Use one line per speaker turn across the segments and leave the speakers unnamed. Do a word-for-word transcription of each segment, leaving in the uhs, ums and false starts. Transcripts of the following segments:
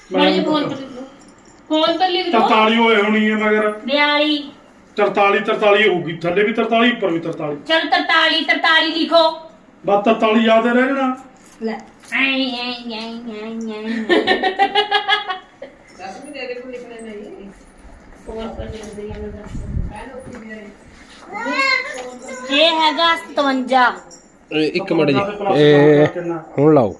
ਬੜੇ ਫੋਨ ਪਰ ਲਿਖ ਲਓ ਫੋਨ ਪਰ ਲਿਖ ਲਓ
ਤਰਤਾਲੀ ਹੋਏ ਹੋਣੀ ਹੈ ਮਗਰ
ਬਿਆਲੀ
ਤਰਤਾਲੀ ਤਰਤਾਲੀ ਹੋਊਗੀ ਥੱਲੇ ਵੀ ਤਰਤਾਲੀ ਉੱਪਰ ਵੀ ਤਰਤਾਲੀ
ਚਲ ਤਰਤਾਲੀ ਤਰਤਾਲੀ ਲਿਖੋ
ਬਸ ਤਰਤਾਲੀ ਯਾਦ ਰਹਿ ਜਾਣਾ
ਲੈ ਐ ਐ ਐ ਐ
दस भी दे दे को लिखने नहीं
ਫੋਨ ਪਰ ਲਿਖ ਦੇ ਇਹਨਾਂ ਦਾ
ਇਹ ਹੈਗਾ ਸਤਵੰਜਾ
ਇੱਕ ਮਿੰਟ ਜੀ ਇਹ ਹੁਣ ਲਾਓ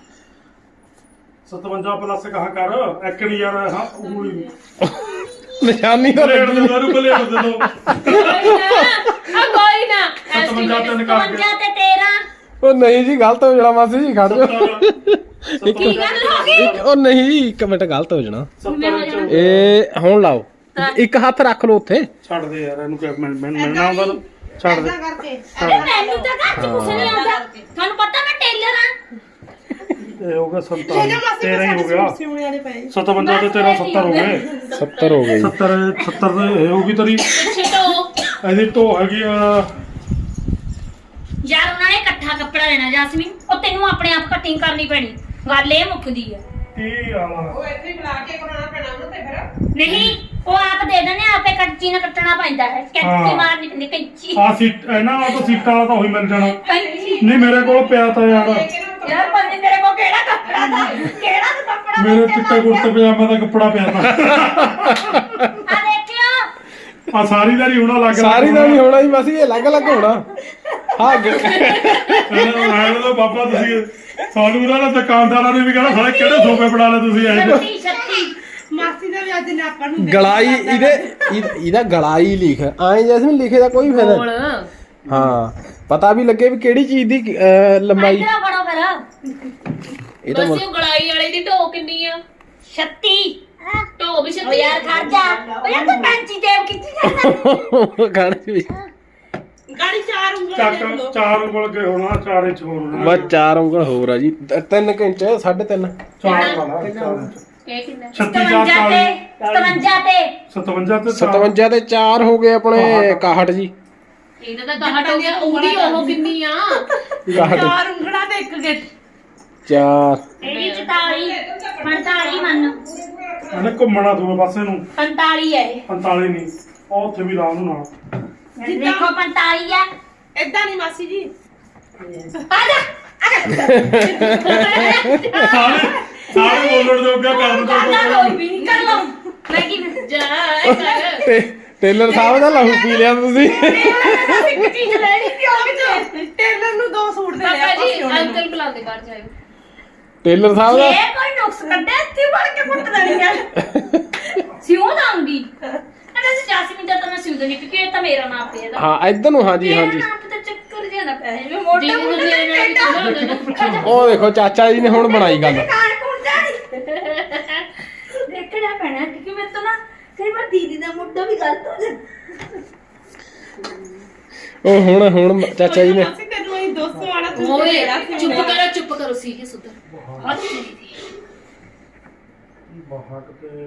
सतवंजा प्लस कहा कर एकड़ी यार हां ओई
ਨਿਸ਼ਾਨੀ ਤਾਂ
रेड दे दारू को ले दे दो
ਆ ਕੋਈ ਨਾ
सतवंजा ते निकाल के
ਸਤਵੰਜਾ ਤੇ ਤੇਰਾਂ
ਉਹ ਨਹੀਂ ਜੀ ਗਲਤ ਹੋ ਜਾਣਾ ਮਾਸੀ ਜੀ ਖੜ ਜਾਓ
ਕੀ ਗੱਲ ਹੋ ਗਈ
ਇੱਕ ਉਹ ਨਹੀਂ ਜੀ ਇੱਕ ਮਿੰਟ ਗਲਤ ਹੋ ਜਾਣਾ
सत्तर
ਇਹ ਹੁਣ ਲਾਓ ਇੱਕ ਹੱਥ ਰੱਖ ਲਓ ਉੱਥੇ
ਛੱਡ ਦੇ ਯਾਰ ਇਹਨੂੰ ਕਿ ਮੈਂ ਮੈਂ ਮਿਲਣਾ ਹੁੰਦਾ ਤਾਂ ਛੱਡ ਦੇ
करके
ਅਰੇ ਮੈਨੂੰ ਤਾਂ ਘਰ ਚ ਕੁਛ ਨਹੀਂ ਆਉਂਦਾ ਤੁਹਾਨੂੰ ਪਤਾ ਮੈਂ ਟੇਲਰ ਆ
ਇਹ ਹੋ ਗਿਆ ਸੰਤਾਲੀ ਤੇਰਾ ਹੀ ਹੋ ਗਿਆ
सिमड़ी वाले पे
सतवंजा ਤੇ ਤੇਰਾ सत्तर ਹੋ ਗਏ
ਸੱਤਰ ਹੋ ਗਏ
सत्तर सत्तर ਤੇ ਇਹ ਹੋਊਗੀ ਤੇਰੀ
ਪਿੱਛੇ ਤੋਂ
ਇਹਦੀ ਢੋ ਹੈਗੀ ਆ
ਯਾਰ ਉਹਨਾਂ ਨੇ ਇਕੱਠਾ ਕੱਪੜਾ ਲੈਣਾ ਜਾਸਮੀਨ ਉਹ ਤੈਨੂੰ ਆਪਣੇ ਆਪ ਕਟਿੰਗ ਕਰਨੀ ਪੈਣੀ ਗੱਲ ਇਹ ਮੁੱਕਦੀ ਆ
ਤੀਹ ਵਾਲਾ
वो इतने बुला के कराना पैना उन्हें ते फिर
ਨਹੀਂ ਉਹ ਆਪ ਦੇ ਦਿੰਦੇ ਆ, ਆਪੇ ਕੱਚੀ ਨਾਲ ਕੱਟਣਾ ਪੈਂਦਾ ਹੈ
ਹਾਂ।
ਕੈਂਚੀ ਮਾਰਨੀ ਪੈਂਦੀ ਕੈਂਚੀ
ਆ ਸੀਟ ਇਹਨਾਂ ਨਾਲ ਤਾਂ ਸੀਟਾਂ ਵਾਲਾ ਤਾਂ ਉਹੀ ਮਿਲ ਜਾਣਾ
ਕੈਂਚੀ
ਨਹੀਂ ਮੇਰੇ ਕੋਲ ਪਿਆ ਤਾਂ ਯਾਰ
ਯਾਰ ਪਰ ਤੇਰੇ ਕੋਲ ਕਿਹੜਾ ਕੱਪੜਾ ਦਾ ਕਿਹੜਾ ਦਾ ਕੱਪੜਾ
ਮੇਰੇ ਚਿੱਟੇ ਕੁੜਤੇ ਪਜਾਮੇ ਦਾ ਕੱਪੜਾ ਪਿਆ ਤਾਂ
ਆ ਦੇਖਿਓ
ਆ ਸਾਰੀ ਦਾ ਨਹੀਂ ਹੋਣਾ ਲੱਗ
ਸਾਰੀ ਦਾ ਨਹੀਂ ਹੋਣਾ ਜੀ ਮਾਸੀ ਇਹ ਅਲੱਗ ਅਲੱਗ ਹੋਣਾ ਹਾਂ
ਮੈਂ ਤਾਂ ਬਾਬਾ ਤੁਸੀਂ ਸਾਨੂੰ ਉਹਨਾਂ ਦਾ ਦੁਕਾਨਦਾਰਾਂ ਨੇ ਵੀ ਕਹਿਣਾ ਸਾਲੇ ਕਿਹੜੇ ਸੋਫੇ ਬਣਾ ਲਏ ਤੁਸੀਂ ਐਂ
ਛੱਤੀ ਛੱਤੀ
मासी ने भी आज ने अपन नु
ਗਲਾਈ ਇਹਦੇ ਇਹਦਾ- ਇਹਦਾ ਗਲਾਈ ਲਿਖ ਐਂ ਜੈਸਮੀਨ ਲਿਖੇ ਦਾ ਕੋਈ ਫਾਇਦਾ
ਕੋਲ
ਨਹੀਂ। ਹਾਂ ਪਤਾ ਵੀ ਲੱਗੇ ਵੀ ਕਿਹੜੀ ਚੀਜ਼ ਦੀ ਅਹ, ਲੰਬਾਈ
ਇੱਧਰ ਫੜੋ ਫਿਰ
ਇਹ ਤਾਂ
ਬਸ ਉਹ ਗਲਾਈ ਵਾਲੇ ਦੀ ਢੋ ਕਿੰਨੀ ਆ
ਛੱਤੀ
ਢੋ ਵੀ
ਓ
ਛੱਤੀ
ਯਾਰ ਖੜ ਜਾ ਓ ਯਾਰ ਤੂੰ ਕੈਂਚੀ ਟੇਪ ਕਿੱਥੇ ਜਾਂਦਾ
ਗਾਣੇ ਵਿੱਚ
गाड़ी चार उंगल
ਚੱਕ ਚਾਰ ਉਂਗਲ ਕੇ ਹੋਣਾ ਚਾਰ ਇੰਚ ਹੋਰ ਹੋਣਾ
ਬਸ ਚਾਰ ਉਂਗਲ ਹੋਰ ਆ ਜੀ ਤ- ਤਿੰਨ ਕੁ ਇੰਚ ਸਾਢੇ ਤਿੰਨ
ਚਾਰ ਵਾਲਾ ਚਾਰ ਇੰਚ।
ਇਹ ਕਿੰਨਾ
ਛੱਤੀ ਚਾਰ
ਸਤਵੰਜਾ ਤੇ
ਚਾਲੀ
ਸਤਵੰਜਾ ਤੇ
ਸਤਵੰਜਾ ਤੇ ਚਾਰ।
ਸਤਵੰਜਾ ਤੇ ਚਾਰ ਹੋ ਗਏ ਆਪਣੇ ਇਕਾਹਠ ਜੀ
ਇਹਦਾ ਤਾਂ ਕਹਾਟ ਹੋ ਗਿਆ ਉਹਦੀ ਉਹ ਕਿੰਨੀ ਆ
ਇਕਾਹਠ
चार उंगला दे एक गेट
ਚਾਰ
ਇਹਦੀ ਚਤਾਲੀ ਪੰਤਾਲੀ ਮੰਨ
ਇਹਨੇ ਘੁੰਮਣਾ ਦੂਏ ਪਾਸੇ ਨੂੰ
ਪੰਤਾਲੀ ਹੈ ਇਹ
ਪੰਤਾਲੀ ਨਹੀਂ ਉਹ ਉੱਥੇ ਵੀ ਲਾ ਨੂੰ ਨਾਲ
ਦੇਖੋ ਪੰਤਾਲੀ ਆ
एदा नहीं मासी जी
ਆ ਜਾ
ਸਾਰੇ ਸਾਰੇ ਬੋਲਣ ਜੋਗਾ ਕਰਨ
ਕਰਨਾ
ਜੋਗਾ
ਕੋਈ ਵੀ ਨਹੀਂ ਕਰ ਲਓ ਮੈਂ ਕੀ
ਜਾ ਇਹ ਕਰ
ਤੇ ਟੇਲਰ ਸਾਹਿਬ ਦਾ ਲਹੂ ਪੀ ਲਿਆ ਤੁਸੀਂ
ਇੱਕ ਚੀਜ਼ ਲੈਣੀ ਸੀ ਉਹ ਕਿਤੇ
टेलर नु दो सूट दे
ਪਾਪਾ ਜੀ
दे
ਅੰਕਲ ਬੁਲਾਉਂਦੇ ਬਾਹਰ ਜਾਇਓ
ਟੇਲਰ ਸਾਹਿਬ ਦਾ
ਇਹ ਕੋਈ ਨੁਕਸ ਕੱਢਿਆ ਇੱਥੇ ਵੜ ਕੇ ਕੁੱਟ ਦੇਣੀ ਆ ਸਿਉਂ ਲਾਉਂਗੀ ਅਰੇ ਜਾਸਮੀਨ ਦਾ ਤਾਂ ਮੈਂ ਸਿਉਂ ਦੇਣੀ ਕਿਉਂਕਿ ਇਹ ਤਾਂ ਮੇਰਾ ਨਾਮ ਪਿਆ ਦਾ
ਹਾਂ ਇੱਧਰ ਨੂੰ ਹਾਂਜੀ
ਮੇਰਾ
ਹਾਂਜੀ
ਨਾਮ ਤੇ ਤਾਂ ਚੱਕਰ ਜਿਹਾ ਨਾ ਪੈ ਜਾਵੇ ਮੋਟਾ
ਜਿਹਨੇ
ਮੋਟਾ
ਤੁਸੀਂ ਇਹਨਾਂ ਨੂੰ ਕਿਹਾ
ਉਹ ਦੇਖੋ ਚਾਚਾ ਜੀ ਨੇ ਹੁਣ ਬਣਾਈ ਗੱਲ
ਕਾਣ ਕੁਣ ਜਾਣੀ ਦੇਖਣਾ ਪੈਣਾ ਕਿਉਂਕਿ ਮੈਂ ਤਾਂ ਨਾ ਕਈ ਵਾਰ ਦੀਦੀ ਦਾ ਮੁੱਢਾ ਵੀ ਗਲਤ ਹੋ ਜਾਂਦਾ
ਉਹ ਹੁਣ ਹੁਣ ਚਾਚਾ ਜੀ ਨੇ
मासी तेनु वही दो सौ वाला सूट
ਓਏ
दे रहा
ਚੁੱਪ ਕਰੋ ਚੁੱਪ ਕਰੋ ਸੀਗੇ ਸੁਧਰ ਹੱਥ
ਬਾਹਟ ਤੇ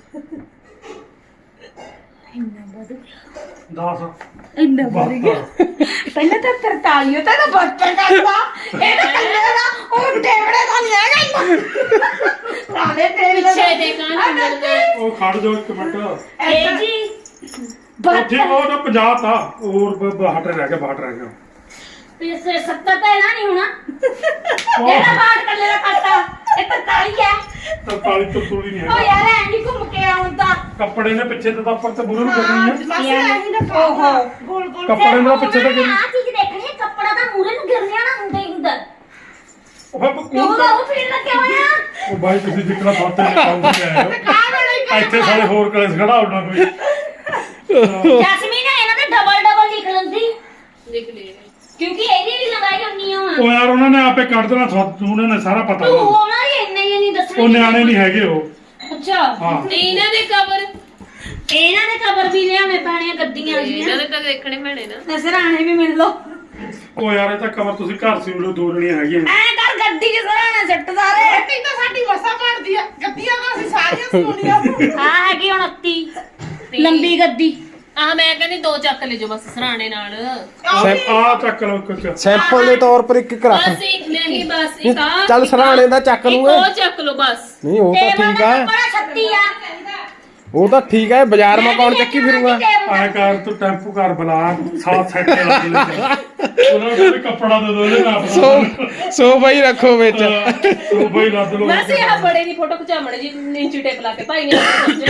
ਇੰਨਾ ਬਦ
ਦਸ
ਇੰਨਾ ਵਧ ਗਿਆ ਪਹਿਲਾਂ ਤਾਂ ਤਰਤਾਲੀ ਉਹ ਤਾਂ ਬਚਪਨ ਕਰਦਾ ਇਹ ਤਾਂ ਕੱਲੇ ਦਾ ਉਹ ਟੇਵੜੇ ਦਾ ਨਹੀਂ ਹੈਗਾ ਇੰਨਾ ਸਾਲੇ ਤੇਰੇ
ਪਿੱਛੇ ਦੇ ਕਾਨ ਮਿਲਦੇ
ਉਹ ਖੜ ਜਾਓ ਇੱਕ ਮਿੰਟ
ਇਹ ਜੀ
ਉੱਥੇ ਉਹ ਤਾਂ ਪੰਜਾਹ ਤਾਂ ਹੋਰ ਬਾਹਟ ਰਹਿ ਗਿਆ ਬਾਹਟ ਰਹਿ ਗਿਆ
ਪਿੱਛੇ ਸੱਤਰ ਤਾਂ ਇਹਦਾ ਨਹੀਂ ਹੋਣਾ ਇਹਦਾ ਬਾਟ ਕੱਲੇ ਦਾ ਕੱਟਾ ਇਹ ਤਰਤਾਲੀ ਹੈ
ਤਰਤਾਲੀ ਤੋਂ ਥੋੜੀ ਨਹੀਂ
ਉਹ
ਹੈਗਾ
ਯਾਰ ਐਂ ਨਹੀਂ ਘੁੰਮ ਕੇ ਆਉਂਦਾ
ਕੱਪੜੇ ਨੇ ਪਿੱਛੇ ਤੇ ਤਾਂ ਉੱਪਰ ਤੇ ਬੁਰੂ ਨੂੰ ਕਰਨੀ ਹੈ
मासी यही ना
ਓਹੋ
गोल गोल
ਕੱਪੜੇ ਨਾਲ ਪਿੱਛੇ ਤੇ ਕਰੀ
ਆ ਚੀਜ਼ ਦੇਖਣੀ ਹੈ ਕੱਪੜਾ ਤਾਂ ਮੂਰੇ ਨੂੰ ਗਿਰਨਿਆ ਨਾ ਹੁੰਦਾ ਹੀ ਹੁੰਦਾ
ਉਹ ਫਿਰ
ਤੇ ਉਹਦਾ ਉਹ ਫੀਲ ਲੱਗਿਆ ਹੋਇਆ
ਉਹ ਬਾਈ ਤੁਸੀਂ ਜਿੱਕਣਾ ਬਾਤੇ ਨੇ ਕਾਉਂਟ ਤੇ ਆਏ ਹੋ ਇੱਥੇ ਸਾਰੇ ਹੋਰ ਕਲੇਸ ਖੜਾ ਹੋਣਾ ਕੋਈ
ਜੈਸਮੀਨ ਇਹਨਾਂ ਦੇ ਡਬਲ ਡਬਲ ਲਿਖ ਲੈਂਦੀ
ਲਿਖ ਲਈ
ਕਿਉਂਕਿ ਇਹਦੀ ਵੀ ਲੰਬਾਈ ਉਨੀ ਆ
ਉਹ ਯਾਰ ਉਹਨਾਂ ਨੇ ਆਪੇ ਕੱਢ ਦੇਣਾ ਤੁਹਾਨੂੰ ਉਹਨਾਂ ਨੇ ਸਾਰਾ ਪਤਾ
ਤੂੰ
ਉਹਨਾਂ ਨੂੰ।
ਉਹਨਾਂ ਦੀ ਇੰਨੇ ਹੀ ਨਹੀਂ ਦੱਸਣੀ
ਉਹ ਨਿਆਣੇ ਨਹੀਂ ਹੈਗੇ ਉਹ
ਅੱਛਾ
ਹਾਂ
ਤੇ ਇਹਨਾਂ ਦੇ ਕਵਰ
ਇਹਨਾਂ ਦੇ ਕਬਰ ਵੀ ਲਿਆਵੇਂ ਪੈਣੀਆਂ ਗੱਦੀਆਂ
ਇਹਨਾਂ
ਜੀਆਂ
ਦੇ ਤਾਂ ਦੇਖਣੇ ਮੈਣੇ ਨਾ
ਨਸਰਾਣੇ ਵੀ ਮਿਲ ਲੋ
ਉਹ ਯਾਰ ਇਹ ਤਾਂ ਕਵਰ ਤੁਸੀਂ ਘਰ ਸੀ ਉਹ ਦੋ ਜਣੀਆਂ ਹੈਗੀਆਂ
ਐ ਕਰ ਗੱਦੀ ਚ ਸਰਾਣੇ ਸੱਟ ਸਾਰੇ
गद्दी तो साडी वसा पड़दी है गद्दियां तो ਅਸੀਂ ਸਾਰੀਆਂ ਸੋਨੀਆਂ
ਆ ਹੈਗੀ ਉਨੱਤੀ ਲੰਬੀ ਗੱਦੀ
ਆ ਮੈਂ ਕਹਿੰਦੀ ਦੋ ਚੱਕ ਲੈ ਜੋ ਬਸ ਸਰਾਣੇ ਨਾਲ
ਆ ਚੱਕ ਲਓ ਇੱਕ ਚ
ਸੈਂਪਲ ਦੇ ਤੌਰ ਪਰ ਇੱਕ ਇੱਕ ਰੱਖ
ਬਸ ਇੱਕ ਨਹੀਂ ਬਸ ਇੱਕ ਆ
ਚੱਲ ਸਰਾਣੇ ਦਾ ਚੱਕ
ਇੱਕ
ਲੂੰਗਾ
ਉਹ ਚੱਕ ਲਓ ਬਸ
ਨਹੀਂ ਉਹ ਤਾਂ ਠੀਕ ਆ
ਬੜਾ ਛੱਤੀ ਆ
ਉਹ ਤਾਂ ਠੀਕ ਹੈ ਬਾਜ਼ਾਰ ਮਾ ਕੌਣ ਚੱਕੀ ਫਿਰੂਗਾ
ਆਇਆ ਕਰ ਤੂੰ ਟੈਂਪੂ ਕਰ ਬੁਲਾ ਸਾਥ ਸੈੱਟ ਲਾ ਦੇ ਉਹਨਾਂ ਨੂੰ ਕੱਪੜਾ ਦੇ ਦੋ ਇਹਦੇ ਨਾਲ
ਸੋ ਸੋ ਭਾਈ ਰੱਖੋ ਵਿੱਚ
ਸੋ ਬਈ ਲੱਦ ਲਓ
ਬਸ ਇਹ ਬੜੇ ਦੀ ਫੋਟੋ ਖਿਚਾਵਣ ਜੀ ਇੰਚੀ ਟੇਪ ਲਾ ਕੇ ਭਾਈ ਨੇ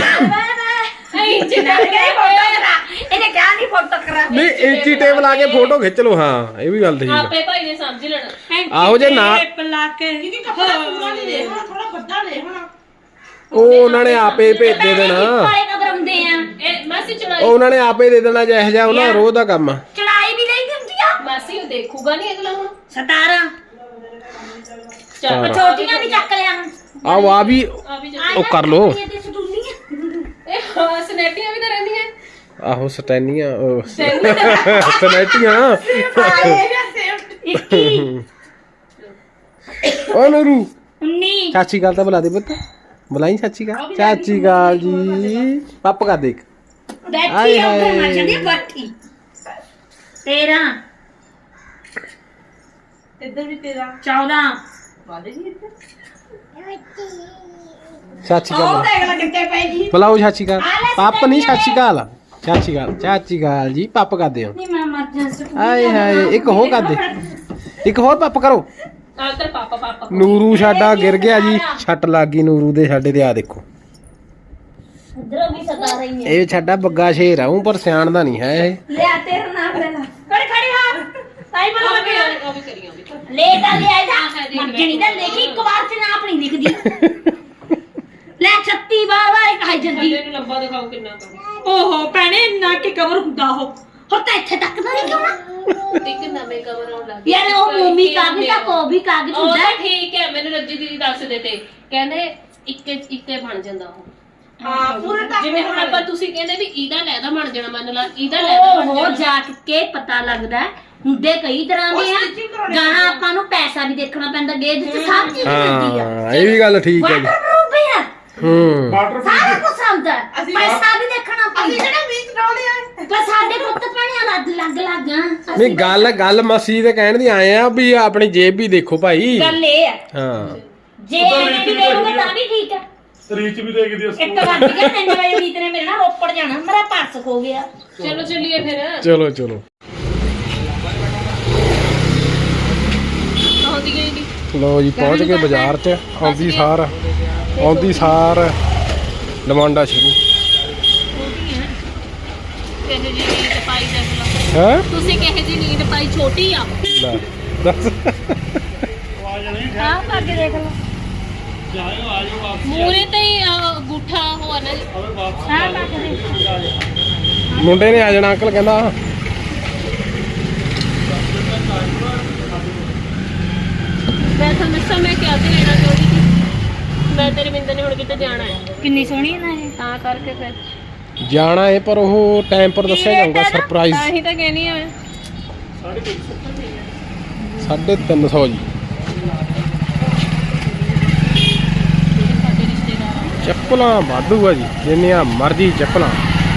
ਇੰਚੀ ਨਾਲ ਗਏ ਹੋਇਆ
ਇਹਨੇ ਕਿਹਾ ਨਹੀਂ ਫੋਟੋ ਕਰਾ
ਨਹੀਂ ਇੰਚੀ ਟੇਪ ਲਾ ਕੇ ਫੋਟੋ ਖਿੱਚ ਲਓ ਹਾਂ ਇਹ ਵੀ ਗੱਲ ਠੀਕ ਆ
ਆਪੇ ਭਾਈ ਨੇ ਸਮਝ ਲੈਣਾ
ਆਹੋ ਜੇ ਨਾ
ਲਾ ਕੇ
ਇਹਦੀ ਕੱਪੜਾ ਪੂਰਾ ਨਹੀਂ ਦੇ ਹੁਣ ਥੋੜਾ ਵੱਡਾ ਦੇ ਹੁਣ
ਉਹ ਉਹਨਾਂ ਨੇ ਆਪੇ ਭੇਜ ਦੇ ਦੇਣਾ
ਪਾਏ ਕਬਰ ਹੁੰਦੇ ਆ
ਇਹ ਮਾਸੀ ਚੜਾਈ
ਉਹ ਉਹਨਾਂ ਨੇ ਆਪੇ ਦੇ ਦੇਣਾ ਜਿਹੋ ਜਿਹਾ ਉਹਨਾਂ ਰੋਜ਼ ਦਾ ਕੰਮ ਆ
ਚੜਾਈ ਵੀ ਲਈ ਹੁੰਦੀ ਆ
ਮਾਸੀ ਉਹ ਦੇਖੂਗਾ ਨਹੀਂ ਅਗਲਾ ਹੁਣ
ਸਤਾਰਾਂ
ਚੱਲ
ਛੋਟੀਆਂ ਵੀ ਚੱਕ ਲਿਆ ਹੁਣ
ਆਹ ਆ ਵੀ
ਆ ਵੀ ਚੱਲ
ਉਹ ਕਰ ਲੋ
ਇਹ ਹਾਂ, ਸਨੈਟੀਆਂ ਵੀ ਤਾਂ ਰਹਿੰਦੀਆਂ
ਆਹੋ ਸਟੈਨੀਆਂ ਉਹ
ਸਨੈਟੀਆਂ।
ਸਨੈਟੀਆਂ ਓ ਨੂਰੂ
ਉੱਨੀ
ਚਾਚੀ ਗੱਲ ਤਾਂ ਬੁਲਾ ਦੇ ਪੁੱਤ ਬੁਲਾਈ ਚਾਚੀ ਕਾ ਚਾਚੀ ਗਾਲ ਜੀ ਪੱਪ ਕਾ ਦੇਖ
ਬੈਠੀ
ਆਏ
ਆ ਉੱਧਰ
ਹਾਏ।
ਮਰ ਜਾਂਦੀ ਆ, ਬੈਠੀ ਤੇਰਾਂ
ਇੱਧਰ ਵੀ ਤੇਰਾ
ਚੌਦਾਂ
ਵਾਦੇ ਜੀ ਇੱਧਰ
ਚਾਚੀ
ਉਹ
ਕਾ
ਦੇਖ ਲੈ ਕਿੱਥੇ ਪੈ ਗਈ
ਬੁਲਾਓ ਚਾਚੀ ਕਾ ਪੱਪ ਨਹੀਂ ਚਾਚੀ ਗਾਲ ਚਾਚੀ ਗਾਲ ਚਾਚੀ ਗਾਲ ਜੀ ਪੱਪ ਕਰ ਦਿਓ
ਨਹੀਂ ਮੈਂ ਮਰ ਜਾਂ
ਆਏ ਹਾਏ ਇੱਕ ਹੋਰ ਕਰ ਦੇ ਇੱਕ ਹੋਰ ਪੱਪ ਕਰੋ
ਆ ਤੇਰਾ ਪਾਪਾ ਪਾਪਾ
ਨੂਰੂ ਸਾਡਾ ਗਿਰ ਗਿਆ ਜੀ ਛੱਟ ਲੱਗ ਗਈ ਨੂਰੂ ਦੇ ਸਾਡੇ ਤੇ ਆ ਦੇਖੋ
ਉਧਰੋਂ ਵੀ ਸਤਾ ਰਹੀ ਹੈ
ਇਹ ਸਾਡਾ ਬੱਗਾ ਸ਼ੇਰ ਆ ਉਹ ਪਰ ਸਿਆਣਦਾ ਨਹੀਂ ਹੈ ਇਹ
ਲਿਆ ਤੇਰਾ ਨਾਮ ਲੈ ਲਾ ਖੜੇ ਖੜੇ ਹਾਂ ਸਾਈ ਬਲ
ਆ ਵੀ ਆ ਵੀ ਕਰੀਆਂ ਵੀ
ਲੈ ਤਾਂ ਲਿਆ ਜਾ ਮਰਜਣੀ ਦਾ ਲਿਖੀ ਇੱਕ ਵਾਰ ਚ ਨਾਪ ਨਹੀਂ ਲਿਖਦੀ ਲੈ ਛੱਤੀ ਵਾਰ ਵਾਰ ਇੱਕ ਹਾਈ ਜੰਦੀ
ਥੱਲੇ ਨੂੰ ਲੰਬਾ ਦਿਖਾਓ ਕਿੰਨਾ ਕਰ
ਓਹੋ ਭੈਣੇ ਇੰਨਾ ਕਿ ਕਵਰ ਹੁੰਦਾ ਉਹ ਹੁਣ ਤਾਂ ਇੱਥੇ ਤੱਕ ਤਾਂ ਨਹੀਂ ਕਿਉਂ
ਇੱਕ ਨਵੇਂ ਕਵਰ ਆਉਣ ਲੱਗ
ਯਾਰ ਉਹ ਮੂਮੀ ਕਾਗਜ਼ ਤਾਂ ਕੋ ਵੀ ਕਾਗਜ਼
ਉਹ
ਹੁੰਦਾ
ਤਾਂ ਠੀਕ ਹੈ ਮੈਨੂੰ ਰੱਜੀ ਦੀਦੀ ਦੱਸ ਦੇ ਤੇ ਕਹਿੰਦੇ ਇੱਕੇ ਇੱਕੇ ਬਣ ਜਾਂਦਾ ਉਹ
ਹਾਂ ਪੂਰੇ ਤੱਕ
ਜਿਵੇਂ ਹੁਣ ਆਪਾਂ ਤੁਸੀਂ ਕਹਿੰਦੇ ਵੀ ਇਹਦਾ ਲੈਦਾ ਬਣ ਜਾਣਾ ਮੰਨ ਲਾ ਇਹਦਾ ਲੈਦਾ ਬਣ
ਉਹ
ਜਾਣਾ
ਜਾ ਕੇ ਪਤਾ ਲੱਗਦਾ ਹੈ। ਹੁੰਦੇ ਕਈ ਤਰ੍ਹਾਂ ਦੇ ਆ ਗਾਣਾ ਆਪਾਂ ਨੂੰ ਪੈਸਾ ਵੀ ਦੇਖਣਾ ਪੈਂਦਾ ਗੇਜ ਚ ਸਭ ਚੀਜ਼ ਮਿਲਦੀ ਆ
ਹਾਂ ਇਹ ਵੀ ਗੱਲ ਠੀਕ ਹੈ ਜੀ
ਵਾਟਰਪ੍ਰੂਫ ਵੀ ਆ
ਹੂੰ
ਵਾਟਰ
ਸਾਰਾ ਕੁਝ ਆਉਂਦਾ ਹੈ।
ਅਸੀਂ-
ਪੈਸਾ ਵੀ ਦੇਖਣਾ
ਅਸੀਂ
ਪੈਂਦਾ
ਜਿਹੜਾ ਮੀਟ ਡਾਉਣੇ ਆ
ਪਰ ਸਾਡੇ ਪੁੱਤ ਪਾਣੀਆਂ ਲੱਗ ਲੱਗ ਲੱਗ ਆ
ਨਹੀਂ ਗੱਲ ਗੱਲ ਮਸੀਹ ਦੇ ਕਹਿਣ ਦੀ ਆਏ ਆ ਵੀ ਆਪਣੀ ਜੇਬ ਵੀ ਦੇਖੋ ਭਾਈ
ਗੱਲ ਇਹ ਆ
ਹਾਂ
ਜੇ ਇਹਨੇ ਵੀ ਦੇਖੋਗੇ ਤਾਂ ਵੀ ਠੀਕ ਆ
ਰੀਚ ਵੀ ਦੇਖਦੀ ਆ
ਇੱਕ ਵੱਜ ਗਿਆ ਤਿੰਨ ਵਜੇ ਰੀਤ ਨੇ ਮੇਰੇ ਨਾਲ ਰੋਪੜ ਜਾਣਾ ਮੇਰਾ ਪਰਸ ਖੋ ਗਿਆ
ਚਲੋ ਚੱਲੀਏ ਫਿਰ
ਚਲੋ ਚਲੋ
ਆਉਂਦੀ ਗਈ ਦੀ
ਲੋ ਜੀ ਪਹੁੰਚ ਗਏ ਬਾਜ਼ਾਰ 'ਚ ਆਉਂਦੀ ਸਾਰ ਆਉਂਦੀ ਸਾਰ ਡਿਮਾਂਡਾ ਸ਼ੁਰੂ
ਕਿਹੇ ਜੀ ਨੀਂਦ ਪਾਈ ਦੇਖ ਲਓ
ਹੈ
ਤੁਸੀਂ ਕਿਹੇ ਜੀ ਨੀਂਦ ਪਾਈ ਛੋਟੀ ਆ
ਲੈ ਦੱਸ
ਆਹ ਪਾ ਕੇ ਦੇਖ ਲਓ ਮੂਰੇ ਤੇ ਹੀ ਅਹ, ਗੂਠਾ ਹੋਆ ਨਾ ਆਹ ਪਾ ਕੇ ਦੇਖ
ਮੁੰਡੇ ਨੇ ਆ ਜਾਣਾ ਅੰਕਲ ਕਹਿੰਦਾ
ਮੈਂ ਤੁਹਾਨੂੰ ਦੱਸਾਂ ਮੈਂ ਕਿਆ ਤੇ ਲੈਣਾ ਚਾਹੁੰਦੀ ਸੀ ਮੈਂ ਤੇਰੇ ਮਿੰਦਰ ਨੇ ਹੁਣ ਕਿਤੇ ਜਾਣਾ ਹੈ
ਕਿੰਨੀ ਸੋਹਣੀ ਹੈ ਨਾ ਇਹ
ਤਾਂ ਕਰਕੇ ਫਿਰ
ਜਾਣਾ ਹੈ ਪਰ ਉਹ ਟਾਈਮ ਪਰ ਦੱਸਿਆ ਜਾਊਗਾ ਸਰਪ੍ਰਾਈਜ਼
ਤਾਂ ਹੀ ਤਾਂ ਕਹਿਣੀ ਆ ਮੈਂ
ਸਾਢੇ ਤਿੰਨ ਸੌ ਜੀ
ਸਾਡੇ ਰਿਸ਼ਤੇਦਾਰ
ਚੱਪਲਾਂ ਵਾਧੂ ਆ ਜੀ ਜਿੰਨੀਆਂ ਮਰਜ਼ੀ ਚੱਪਲਾਂ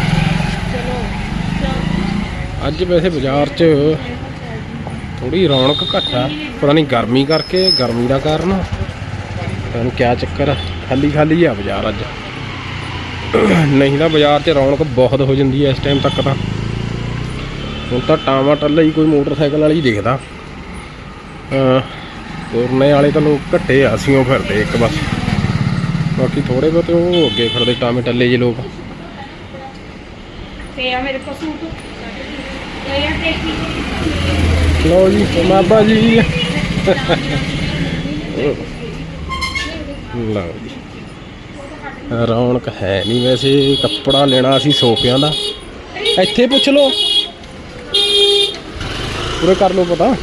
ਅੱਜ ਵੈਸੇ ਬਾਜ਼ਾਰ 'ਚ ਥੋੜੀ ਰੌਣਕ ਘੱਟ ਆ ਪਤਾ ਨਹੀਂ ਗਰਮੀ ਕਰਕੇ ਗਰਮੀ ਦਾ ਕਾਰਨ ਪਤਾ ਨਹੀਂ ਕਿਆ ਚੱਕਰ ਆ ਖਾਲੀ ਖਾਲੀ ਆ ਬਾਜ਼ਾਰ ਅੱਜ ਨਹੀਂ ਤਾਂ ਬਾਜ਼ਾਰ 'ਚ ਰੌਣਕ ਬਹੁਤ ਹੋ ਜਾਂਦੀ ਹੈ ਇਸ ਟਾਈਮ ਤੱਕ ਤਾਂ ਹੁਣ ਤਾਂ ਟਾਵਾਂ ਟੱਲਾ ਹੀ ਕੋਈ ਮੋਟਰਸਾਈਕਲ ਵਾਲੀ ਦਿਖਦਾ ਤੁਰਨੇ ਵਾਲੇ ਤਾਂ ਲੋਕ ਘੱਟੇ ਆ ਅਸੀਂ ਉਹ ਫਿਰਦੇ ਇੱਕ ਬਸ ਬਾਕੀ ਥੋੜੇ ਬਹੁਤੇ ਉਹ ਅੱਗੇ ਫਿਰਦੇ ਟਾਵੇਂ ਟੱਲੇ ਜਿਹੇ ਲੋਕ
ਤੇ ਆ ਮੇਰੇ ਕੋਲ ਸੂਟ ਇਹ ਆ ਦੇਖੀ
ਲਓ ਜੀ ਬਾਬਾ ਜੀ ਲਓ ਜੀ ਰੌਣਕ ਹੈ ਨਹੀਂ ਵੈਸੇ ਕੱਪੜਾ ਲੈਣਾ ਸੀ ਸੋਫਿਆਂ ਦਾ ਇੱਥੇ ਪੁੱਛ ਲਓ ਪੂਰੇ ਕਰ ਲਓ ਪਤਾ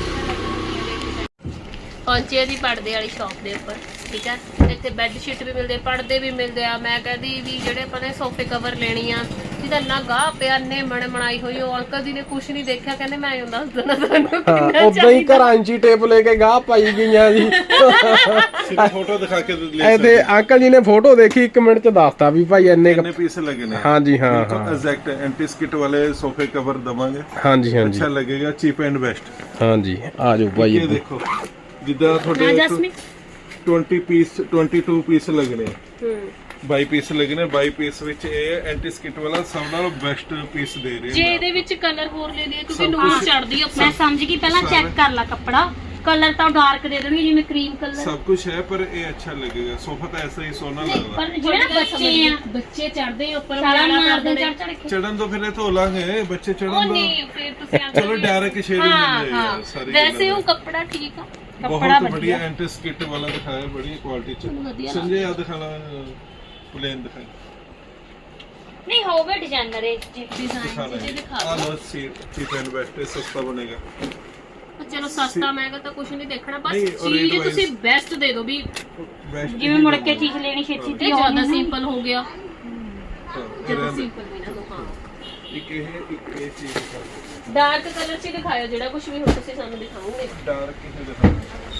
ਪਹੁੰਚੇ ਦੀ ਪਰਦੇ ਵਾਲੀ ਸ਼ਾਪ ਦੇ ਉੱਪਰ ਠੀਕ ਹੈ ਇੱਥੇ ਬੈੱਡ ਸ਼ੀਟ ਵੀ ਮਿਲਦੇ ਪਰਦੇ ਵੀ ਮਿਲਦੇ ਆ ਮੈਂ ਕਹਿੰਦੀ ਵੀ ਜਿਹੜੇ ਆਪਾਂ ਨੇ ਸੋਫੇ ਕਵਰ ਲੈਣੀ ਆ ਚਾਚੀ ਦਾ ਇੰਨਾ ਗਾਹ ਪਿਆ ਨੇ ਮਣ ਮਣਾਈ ਹੋਈ ਉਹ ਅੰਕਲ ਜੀ ਨੇ ਕੁਛ ਨਹੀਂ ਦੇਖਿਆ ਕਹਿੰਦੇ ਮੈਂ ਉਹ ਦੱਸ ਦੇਣਾ ਤੁਹਾਨੂੰ
ਹਾਂ
ਕਿੰਨਾ
ਉਦਾਂ ਹੀ ਘਰਾਂ 'ਚ ਹੀ ਟੇਪ ਲੈ ਕੇ ਗਾਹ ਪਾਈ ਗਈਆਂ ਜੀ
ਸਿਰਫ ਫੋਟੋ ਦਿਖਾ ਕੇ ਲੈ
ਇਹਦੇ ਅੰਕਲ ਜੀ ਨੇ ਫੋਟੋ ਦੇਖੀ ਇੱਕ ਮਿੰਟ 'ਚ ਦੱਸਤਾ ਵੀ ਭਾਈ ਇੰਨੇ ਕੁ-
कितने पीस लगे ने
ਹਾਂਜੀ ਹਾਂ
बिल्कुल
ਹਾਂ
एग्जैक्ट एंटी स्किट वाले सोफे कवर दबांगे
ਹਾਂਜੀ ਹਾਂਜੀ
अच्छा लगेगा चीप एंड बेस्ट
ਹਾਂਜੀ ਆ ਜਾਓ ਭਾਈ
ये देखो जिदा
ਹਾਂ
थोड़े
ਜਸਮੀ
ट्वेंटी पीस बाईस पीस लगने
ਹੂੰ
बाईस पीस लगने बाईस पीस ਵਿੱਚ ਇਹ ਐਂਟੀ ਸਕਿਟ ਵਾਲਾ ਸਭ ਨਾਲੋਂ ਬੈਸਟ ਪੀਸ ਦੇ ਰਹੇ
ਜੇ
ਨੇ
ਇਹਦੇ ਵਿੱਚ ਕਲਰ ਹੋਰ ਲੈ ਲਈਏ ਕਿਉਂਕਿ
ਸਭ
ਨੂਰ
ਕੁਛ-
ਚੜਦੀ ਆ
ਮੈਂ ਸਮਝ ਗਈ ਪਹਿਲਾਂ ਚੈੱਕ ਕਰ ਲਾ ਕੱਪੜਾ ਕਲਰ ਤਾਂ ਡਾਰਕ ਦੇ ਦੇਣਗੇ ਜਿਵੇਂ ਕਰੀਮ ਕਲਰ
सब कुछ है पर ये अच्छा लगेगा सोफा तो ऐसा ही सोना लगेगा
ਪਰ ਜਿਹੜੇ ਬੱਚੇ ਆ
ਬੱਚੇ ਚੜਦੇ ਆ ਉੱਪਰ
ਸਾਰਾ
ਵਿਚਾਰਾ
ਮਾਰਦੇ
ਕਰਦੇ
ਚੜ ਚੜ ਕੇ
ਚੜਨ ਤੋਂ ਫਿਰ ਇਹ ਧੋ ਲਾਂਗੇ ਬੱਚੇ
ਉਹ
ਚੜਨ ਤੋਂ
ਨਹੀਂ ਫਿਰ ਤੁਸੀਂ ਅੰਕਲ
ਚਲੋ
ਜੀ-
ਡਾਇਰੈਕਟ ਸ਼ੇਡਿੰਗ
ਹਾਂ
ਮਿਲ
ਹਾਂ
ਜਾਏਗਾ ਸਾਰੀ
ਵੈਸੇ ਉਹ ਕੱਪੜਾ ਠੀਕ ਆ
ਕੱਪੜਾ
ਬਹੁਤ
ਵਧੀਆ
बढ़िया एंटी स्किट वाला दिखाया बढ़िया क्वालिटी
चलो बढ़िया
च संजय आ दिखाना प्लेन दिखाई
ਨਹੀਂ ਹੋਵੇ ਡਿਜ਼ਾਈਨਰ ਇਹ
ਡਿਜ਼ਾਈਨ
दिखाना
ਜਿਹੇ
है
ਦਿਖਾ
आ
ਦਿਓ
लो चीप एंड बेस्ट सस्ता बनेगा
ਚਲੋ ਸਸਤਾ ਮਹਿੰਗਾ ਤਾਂ ਕੁਝ ਨਹੀਂ ਦੇਖਣਾ ਬਸ
ਨਹੀਂ, ਔਰ
ਚੀਜ਼
rate
ਤੁਸੀਂ
wise-
ਬੈਸਟ ਦੇ ਦਿਓ ਵੀ
बेस्ट
ਜਿਵੇਂ ਮੁੜ ਕੇ ਚੀਜ਼ ਲੈਣੀ ਛੇਤੀ
ਤੇ
ਤੇ
ਜ਼ਿਆਦਾ ਸਿੰਪਲ ਹੋ ਗਿਆ
हाँ,
ਜਿਆਦਾ
रहने
ਸਿੰਪਲ ਵੀ ਨਾ ਦੋ ਹਾਂ
दो। एक ये है एक ये चीज दिखाओ
ਡਾਰਕ ਕਲਰ ਚ ਹੀ ਦਿਖਾਇਓ ਜਿਹੜਾ ਕੁਝ ਵੀ ਹੁਣ ਤੁਸੀਂ ਸਾਨੂੰ ਦਿਖਾਓਗੇ
डार्क है दिखाओ